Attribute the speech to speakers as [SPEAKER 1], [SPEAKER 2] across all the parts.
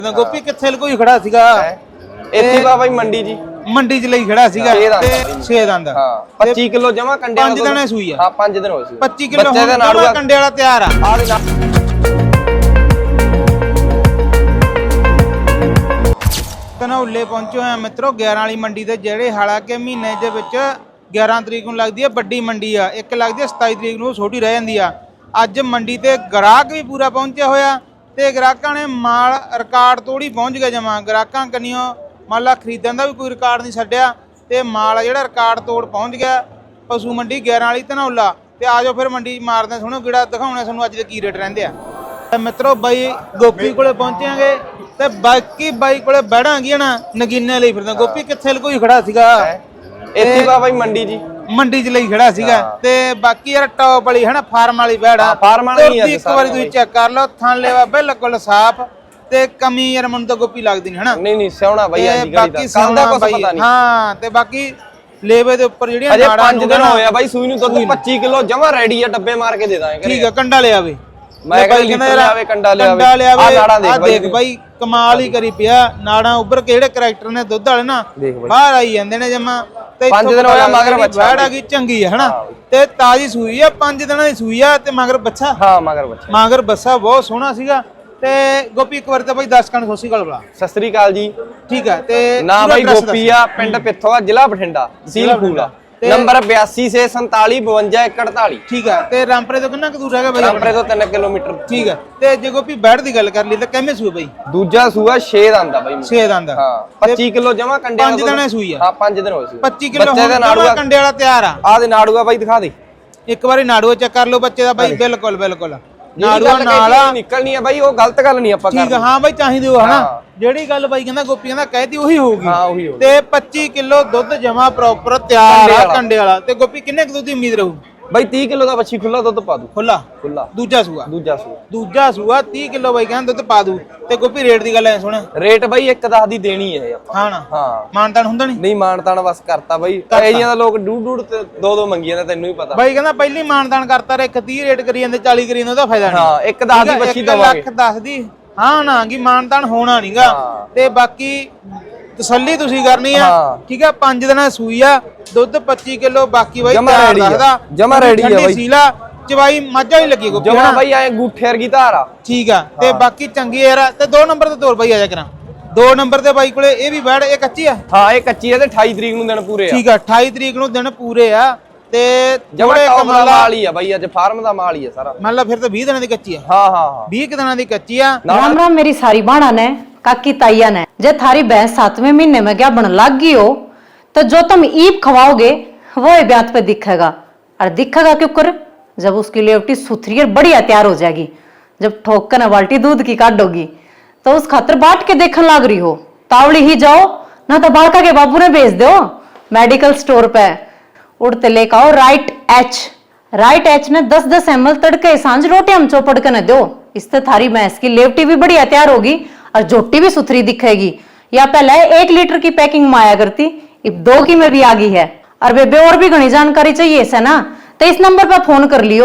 [SPEAKER 1] ਗੋਪੀ ਕਿੱਥੇ ਲਕੋਈ ਖੜਾ ਸੀਗਾ
[SPEAKER 2] ਇੱਥੇ ਬਾਈ
[SPEAKER 1] ਮੰਡੀ ਚ ਲਈ ਖੜਾ ਸੀਗਾ ਤੇ 6 ਦੰਦ
[SPEAKER 2] ਹਾਂ 25 ਕਿਲੋ ਜਮਾ ਕੰਡੇ
[SPEAKER 1] 5 ਦਿਨਾਂ ਸੂਈ ਆ।
[SPEAKER 2] ਹਾਂ 5 ਦਿਨ ਹੋਏ ਸੀ
[SPEAKER 1] 25 ਕਿਲੋ ਹੁਣ ਕੰਡੇ ਵਾਲਾ ਤਿਆਰ ਆ। ਧਨੌਲੇ ਪਹੁੰਚੇ ਹੋਏ ਆ ਮਿੱਤਰੋ 11 ਵਾਲੀ ਮੰਡੀ ਤੇ, ਜਿਹੜੇ ਹਾਲਾਂਕਿ ਮਹੀਨੇ ਦੇ ਵਿੱਚ 11 ਤਰੀਕ ਨੂੰ ਲੱਗਦੀ ਹੈ ਵੱਡੀ ਮੰਡੀ ਆ, ਇੱਕ ਲੱਗਦੀ ਹੈ 27 ਤਰੀਕ ਨੂੰ ਛੋਟੀ ਰਹਿ ਜਾਂਦੀ ਆ। ਅੱਜ ਮੰਡੀ ਤੇ ਗ੍ਰਾਹਕ ਵੀ ਪੂਰਾ ਪਹੁੰਚਿਆ ਹੋਇਆ ਤੇ ਗ੍ਰਾਹਕਾਂ ਨੇ ਮਾਲ ਰਿਕਾਰਡ ਤੋੜੀ ਪਹੁੰਚ ਗਿਆ ਜਮਾ। ਗ੍ਰਾਹਕਾਂ ਕੰਨਿਓ ਮੰਨ ਲਾ ਖਰੀਦਣ ਦਾ ਵੀ ਕੋਈ ਰਿਕਾਰਡ ਨਹੀਂ ਛੱਡਿਆ ਤੇ ਮਾਲ ਜਿਹੜਾ ਰਿਕਾਰਡ ਤੋੜ ਪਹੁੰਚ ਗਿਆ ਪਸ਼ੂ ਮੰਡੀ 11 ਵਾਲੀ ਧਨੌਲਾ। ਤੇ ਆਜੋ ਫਿਰ ਮੰਡੀ ਮਾਰਦੇ ਸੁਣੋ ਕਿਹੜਾ ਦਿਖਾਉਣਾ ਤੁਹਾਨੂੰ ਅੱਜ ਦੇ ਕੀ ਰੇਟ ਰਹਿੰਦੇ ਆ। ਤੇ ਮਿੱਤਰੋ ਬਾਈ ਗੋਪੀ ਕੋਲੇ ਪਹੁੰਚਾਂਗੇ ਤੇ ਬਾਕੀ ਬਾਈ ਕੋਲੇ ਬੈਠਾਂਗੇ ਨਾ ਨਗੀਨੇ ਲਈ ਫਿਰਦਾ। ਗੋਪੀ ਕਿੱਥੇ ਲਕੋਈ ਖੜਾ ਸੀਗਾ
[SPEAKER 2] ਇੱਥੇ ਬਾਈ ਮੰਡੀ ਚ
[SPEAKER 1] ਲਈ ਖੜਾ ਸੀਗਾ ਤੇ ਬਾਕੀ ਯਾਰ ਟੌਪ ਵਾਲੀ ਹੈ ਨਾ ਫਾਰਮ ਵਾਲੀ ਬੈੜਾ
[SPEAKER 2] ਫਾਰਮ ਵਾਲੀ ਹੈ।
[SPEAKER 1] ਇੱਕ ਵਾਰੀ ਤੁਸੀਂ ਚੈੱਕ ਕਰ ਲਓ ਥਣ ਲੈਵਾ ਬਿਲਕੁਲ ਸਾਫ਼ ਤੇ ਕਮੀ ਯਾਰ ਮੈਨੂੰ ਤਾਂ ਗੋਪੀ ਲੱਗਦੀ ਨਹੀਂ ਹਨਾ।
[SPEAKER 2] ਨਹੀਂ ਸਿਆਉਣਾ ਬਾਈ ਅੱਜ
[SPEAKER 1] ਬਾਕੀ ਸਿਆਉਣਾ ਬਾਈ ਹਾਂ। ਤੇ ਬਾਕੀ ਲੇਵੇ ਦੇ ਉੱਪਰ ਜਿਹੜੀਆਂ ਨਾੜਾਂ
[SPEAKER 2] 5 ਦਿਨ ਹੋਇਆ ਬਾਈ ਸੂਈ ਨੂੰ ਦੁੱਧ 25 ਕਿਲੋ ਜਮਾ ਰੈਡੀ ਆ, ਡੱਬੇ ਮਾਰ ਕੇ ਦੇ ਦਾਂਗੇ।
[SPEAKER 1] ਠੀਕ ਆ ਕੰਡਾ ਲਿਆਵੇ
[SPEAKER 2] ਮੈਂ ਕਹਿੰਦਾ ਯਾਰ ਕੰਡਾ ਲਿਆਵੇ ਆ ਨਾੜਾਂ
[SPEAKER 1] ਦੇਖ ਬਾਈ ਕਮਾਲ ਹੀ ਕਰੀ ਪਿਆ। ਨਾੜਾਂ ਉੱਭਰ ਕੇ ਜਿਹੜੇ ਕਰੈਕਟਰ ਨੇ ਦੁੱਧ ਵਾਲੇ ਨਾ ਬਾਹਰ ਆਈ ਜਾਂਦੇ ਨੇ ਜਮਾ। ਤੇ
[SPEAKER 2] 5 ਦਿਨ ਹੋਇਆ ਮਗਰ ਬੱਚਾ
[SPEAKER 1] ਬੈੜ ਆ ਗਈ ਚੰਗੀ ਹੈ ਹਨਾ ਤੇ ਤਾਜੀ ਸੂਈ ਆ 5 ਦਿਨਾਂ ਦੀ ਸੂਈ ਆ ਤੇ ਮਗਰ ਬੱਚਾ।
[SPEAKER 2] ਹਾਂ ਮਗਰ
[SPEAKER 1] ਬੱਚਾ ਬਹੁਤ ਸੋਹਣਾ ਸੀਗਾ। ਤੇ ਗੋਪੀ ਇੱਕ ਵਾਰ ਤਾਂ ਬਾਈ 10 ਕਣ ਸੋਸੀ ਗੱਲ ਬੁਲਾ।
[SPEAKER 2] ਸਤਿ ਸ੍ਰੀ ਅਕਾਲ ਜੀ।
[SPEAKER 1] ਠੀਕ ਹੈ ਤੇ
[SPEAKER 2] ਨਾ ਬਾਈ ਗੋਪੀ ਆ, ਪਿੰਡ ਪਿੱਥੋਂ ਆ, ਜ਼ਿਲ੍ਹਾ ਬਠਿੰਡਾ, ਤਹਿਸੀਲ ਫੂਲਾ, ਨੰਬਰ 8247475148।
[SPEAKER 1] ਠੀਕ ਹੈ ਤੇ ਰਾਮਪਰੇ ਤੋਂ ਕਿੰਨਾ ਕੁ ਦੂਰ ਹੈਗਾ ਬਾਈ?
[SPEAKER 2] ਰਾਮਪਰੇ ਤੋਂ 3 ਕਿਲੋਮੀਟਰ।
[SPEAKER 1] ਠੀਕ ਹੈ ਤੇ ਜੇ ਗੋਪੀ ਬੈੜ ਦੀ ਗੱਲ ਕਰ ਲਈ ਤਾਂ ਕਿੰਨੇ ਸੂਏ ਬਾਈ?
[SPEAKER 2] ਦੂਜਾ ਸੂਆ 6 ਦੰਦ ਆ ਬਾਈ।
[SPEAKER 1] 6 ਦੰਦ
[SPEAKER 2] ਹਾਂ 25 ਕਿਲੋ ਜਮਾ ਕੰਡੇ
[SPEAKER 1] 5 ਦਿਨਾਂ ਸੂਈ ਆ।
[SPEAKER 2] ਹਾਂ 5 ਦਿਨ ਹੋਏ ਸੀ।
[SPEAKER 1] 25 ਕਿਲੋ ਹੁਣ ਕੰਡੇ ਵਾਲਾ ਤਿਆਰ ਆ।
[SPEAKER 2] ਆ ਦੇ ਨਾੜੂਆ ਬਾਈ ਦਿਖਾ ਦੇ
[SPEAKER 1] ਇੱਕ ਵਾਰੀ ਨਾੜੂਆ ਚੈੱਕ ਕਰ ਲਓ ਬੱਚੇ ਦਾ ਬਾਈ। ਬਿਲਕੁਲ ਨਾੜੂਆ ਨਾਲ
[SPEAKER 2] ਨਿਕਲਣੀ ਆ ਬਾਈ, ਉਹ ਗਲਤ ਗੱਲ ਨਹੀਂ ਆਪਾਂ ਕਰਦੇ।
[SPEAKER 1] ਠੀਕ ਆ ਹਾਂ ਬਾਈ ਚਾਹੀਦੇ ਹੋ ਹਨਾ। ਜਿਹੜੀ ਗੱਲ ਬਾਈ ਕਹਿੰਦਾ ਗੋਪੀ ਕਹਿੰਦਾ ਕਹਿਤੀ ਉਹੀ ਹੋਊਗੀ।
[SPEAKER 2] ਹਾਂ ਉਹੀ ਹੋਊਗੀ।
[SPEAKER 1] ਤੇ 25 ਕਿਲੋ ਦੁੱਧ ਜਮਾ ਪ੍ਰੋਪਰ ਤਿਆਰ ਆ ਕੰਡੇ ਵਾਲਾ। ਤੇ ਗੋਪੀ ਕਿੰਨੇ ਕੁ ਦੁੱਧ ਦੀ ਉਮੀਦ ਰਹੂ
[SPEAKER 2] ਬਾਈ? 30 ਕਿਲੋ ਦਾ ਬੱਚੀ ਖੁੱਲਾ ਦੁੱਧ ਪਾ ਦੂ। ਖੁੱਲਾ
[SPEAKER 1] ਦੂਜਾ ਸੂਆ 30 ਕਿਲੋ ਬਾਈ ਕਹਿੰਦਾ ਦੁੱਧ ਪਾ ਦੂ। ਤੇ ਗੋਪੀ ਰੇਟ ਦੀ ਗੱਲ ਐ ਸੁਣ।
[SPEAKER 2] ਰੇਟ ਬਾਈ 1.10 ਦੀ ਦੇਣੀ ਹੈ ਆਪਾਂ।
[SPEAKER 1] ਹਾਂ ਨਾ ਮਾਨਤਾਨ ਹੁੰਦਾ
[SPEAKER 2] ਨਹੀਂ ਮਾਨਤਾਨ ਬਸ ਕਰਤਾ ਬਾਈ। ਇਹ ਜੀਆਂ ਦਾ ਲੋਕ ਡੂਡ ਤੇ 2 ਮੰਗੀਆਂ ਨੇ, ਤੈਨੂੰ ਵੀ ਪਤਾ ਬਾਈ।
[SPEAKER 1] ਕਹਿੰਦਾ ਪਹਿਲੀ ਮਾਨਤਾਨ ਕਰਤਾ ਰੇ 30 ਰੇਟ ਕਰੀ ਜਾਂਦੇ 40 ਕਰੀ ਜਾਂਦੇ, ਉਹਦਾ ਫਾਇਦਾ ਨਹੀਂ।
[SPEAKER 2] ਹਾਂ 1.10 ਦੀ ਬੱਚੀ ਦਵਾਂਗੇ।
[SPEAKER 1] 1,10 ਦੀ ਹਾਂ ਨਾ ਕੀ ਮਾਨਤਾਨ ਹੋਣਾ ਨਹੀਂਗਾ। ਤੇ ਬਾਕੀ ਤਸੱਲੀ ਤੁਸੀਂ ਕਰਨੀ ਆ। ਠੀਕ ਆ 5 ਦਿਨਾਂ ਸੂਈ ਆ, ਦੁੱਧ 25 ਕਿਲੋ। ਬਾਕੀ ਬਾਈ
[SPEAKER 2] ਜਮਾ ਰੈਡੀ ਆ ਬਾਈ।
[SPEAKER 1] ਸੀਲਾ ਚਵਾਈ ਮਾਝਾ ਹੀ ਲੱਗੀ ਗੋਪੀ
[SPEAKER 2] ਜਮਾ ਬਾਈ ਐ ਗੂਠੇ ਵਰਗੀ ਧਾਰ ਆ।
[SPEAKER 1] ਠੀਕ ਆ ਤੇ ਬਾਕੀ ਚੰਗੀ ਯਾਰ। ਤੇ 2 ਨੰਬਰ ਤੇ ਤੋਰ ਬਾਈ ਆ ਜਾ ਕਰਾਂ। 2 ਨੰਬਰ ਤੇ ਬਾਈ ਕੋਲੇ ਇਹ ਵੀ ਬੈੜ ਇਹ ਕੱਚੀ ਆ।
[SPEAKER 2] ਹਾਂ ਇਹ ਕੱਚੀ ਆ ਤੇ 28 ਤਰੀਕ ਨੂੰ ਦਿਨ ਪੂਰੇ ਆ।
[SPEAKER 1] ਠੀਕ ਆ 28 ਤਰੀਕ ਨੂੰ ਦਿਨ ਪੂਰੇ ਆ। ਤੇ
[SPEAKER 2] ਜਮਾ ਕਮਾਲ ਮਾਲ ਹੀ ਆ ਬਾਈ, ਅੱਜ ਫਾਰਮ ਦਾ ਮਾਲ ਹੀ ਆ ਸਾਰਾ।
[SPEAKER 1] ਮੰਨ ਲਾ ਫਿਰ ਤਾਂ 20 ਦਿਨਾਂ ਦੀ ਕੱਚੀ ਆ।
[SPEAKER 2] ਹਾਂ
[SPEAKER 1] 20 ਦਿਨਾਂ ਦੀ ਕੱਚੀ ਆ।
[SPEAKER 3] राम राम मेरी सारी बाणा ने काकी ताइया ने। जे थारी भैंस 7वें महीने में क्या बन लग गई हो तो जो तुम ईप खवाओगे वो ही ब्यात पे दिखेगा। और दिखेगा क्यों कर? जब उसकी लेवटी सुथरी और बढ़िया तैयार हो जाएगी, जब ठोक कर बाल्टी दूध की काटोगी तो उस खातर बाट के देखने लग रही हो। तावड़ी ही जाओ ना तो बालका के बाबू ने भेज दो मेडिकल स्टोर पे। उड़ते लेकर आओ राइट एच ने 10-10 ml तड़के सांझ रोटी हम चौपड़ के न दो। इससे थारी भैंस की लेवटी भी बढ़िया तैयार होगी और जोटी भी सुथरी दिखेगी। या पहले 1 लीटर की पैकिंग में आया करती, अब 2 की में भी आ गई है। और बेबे और भी घनी जानकारी चाहिए इसे ना तो इस नंबर पर फोन कर लियो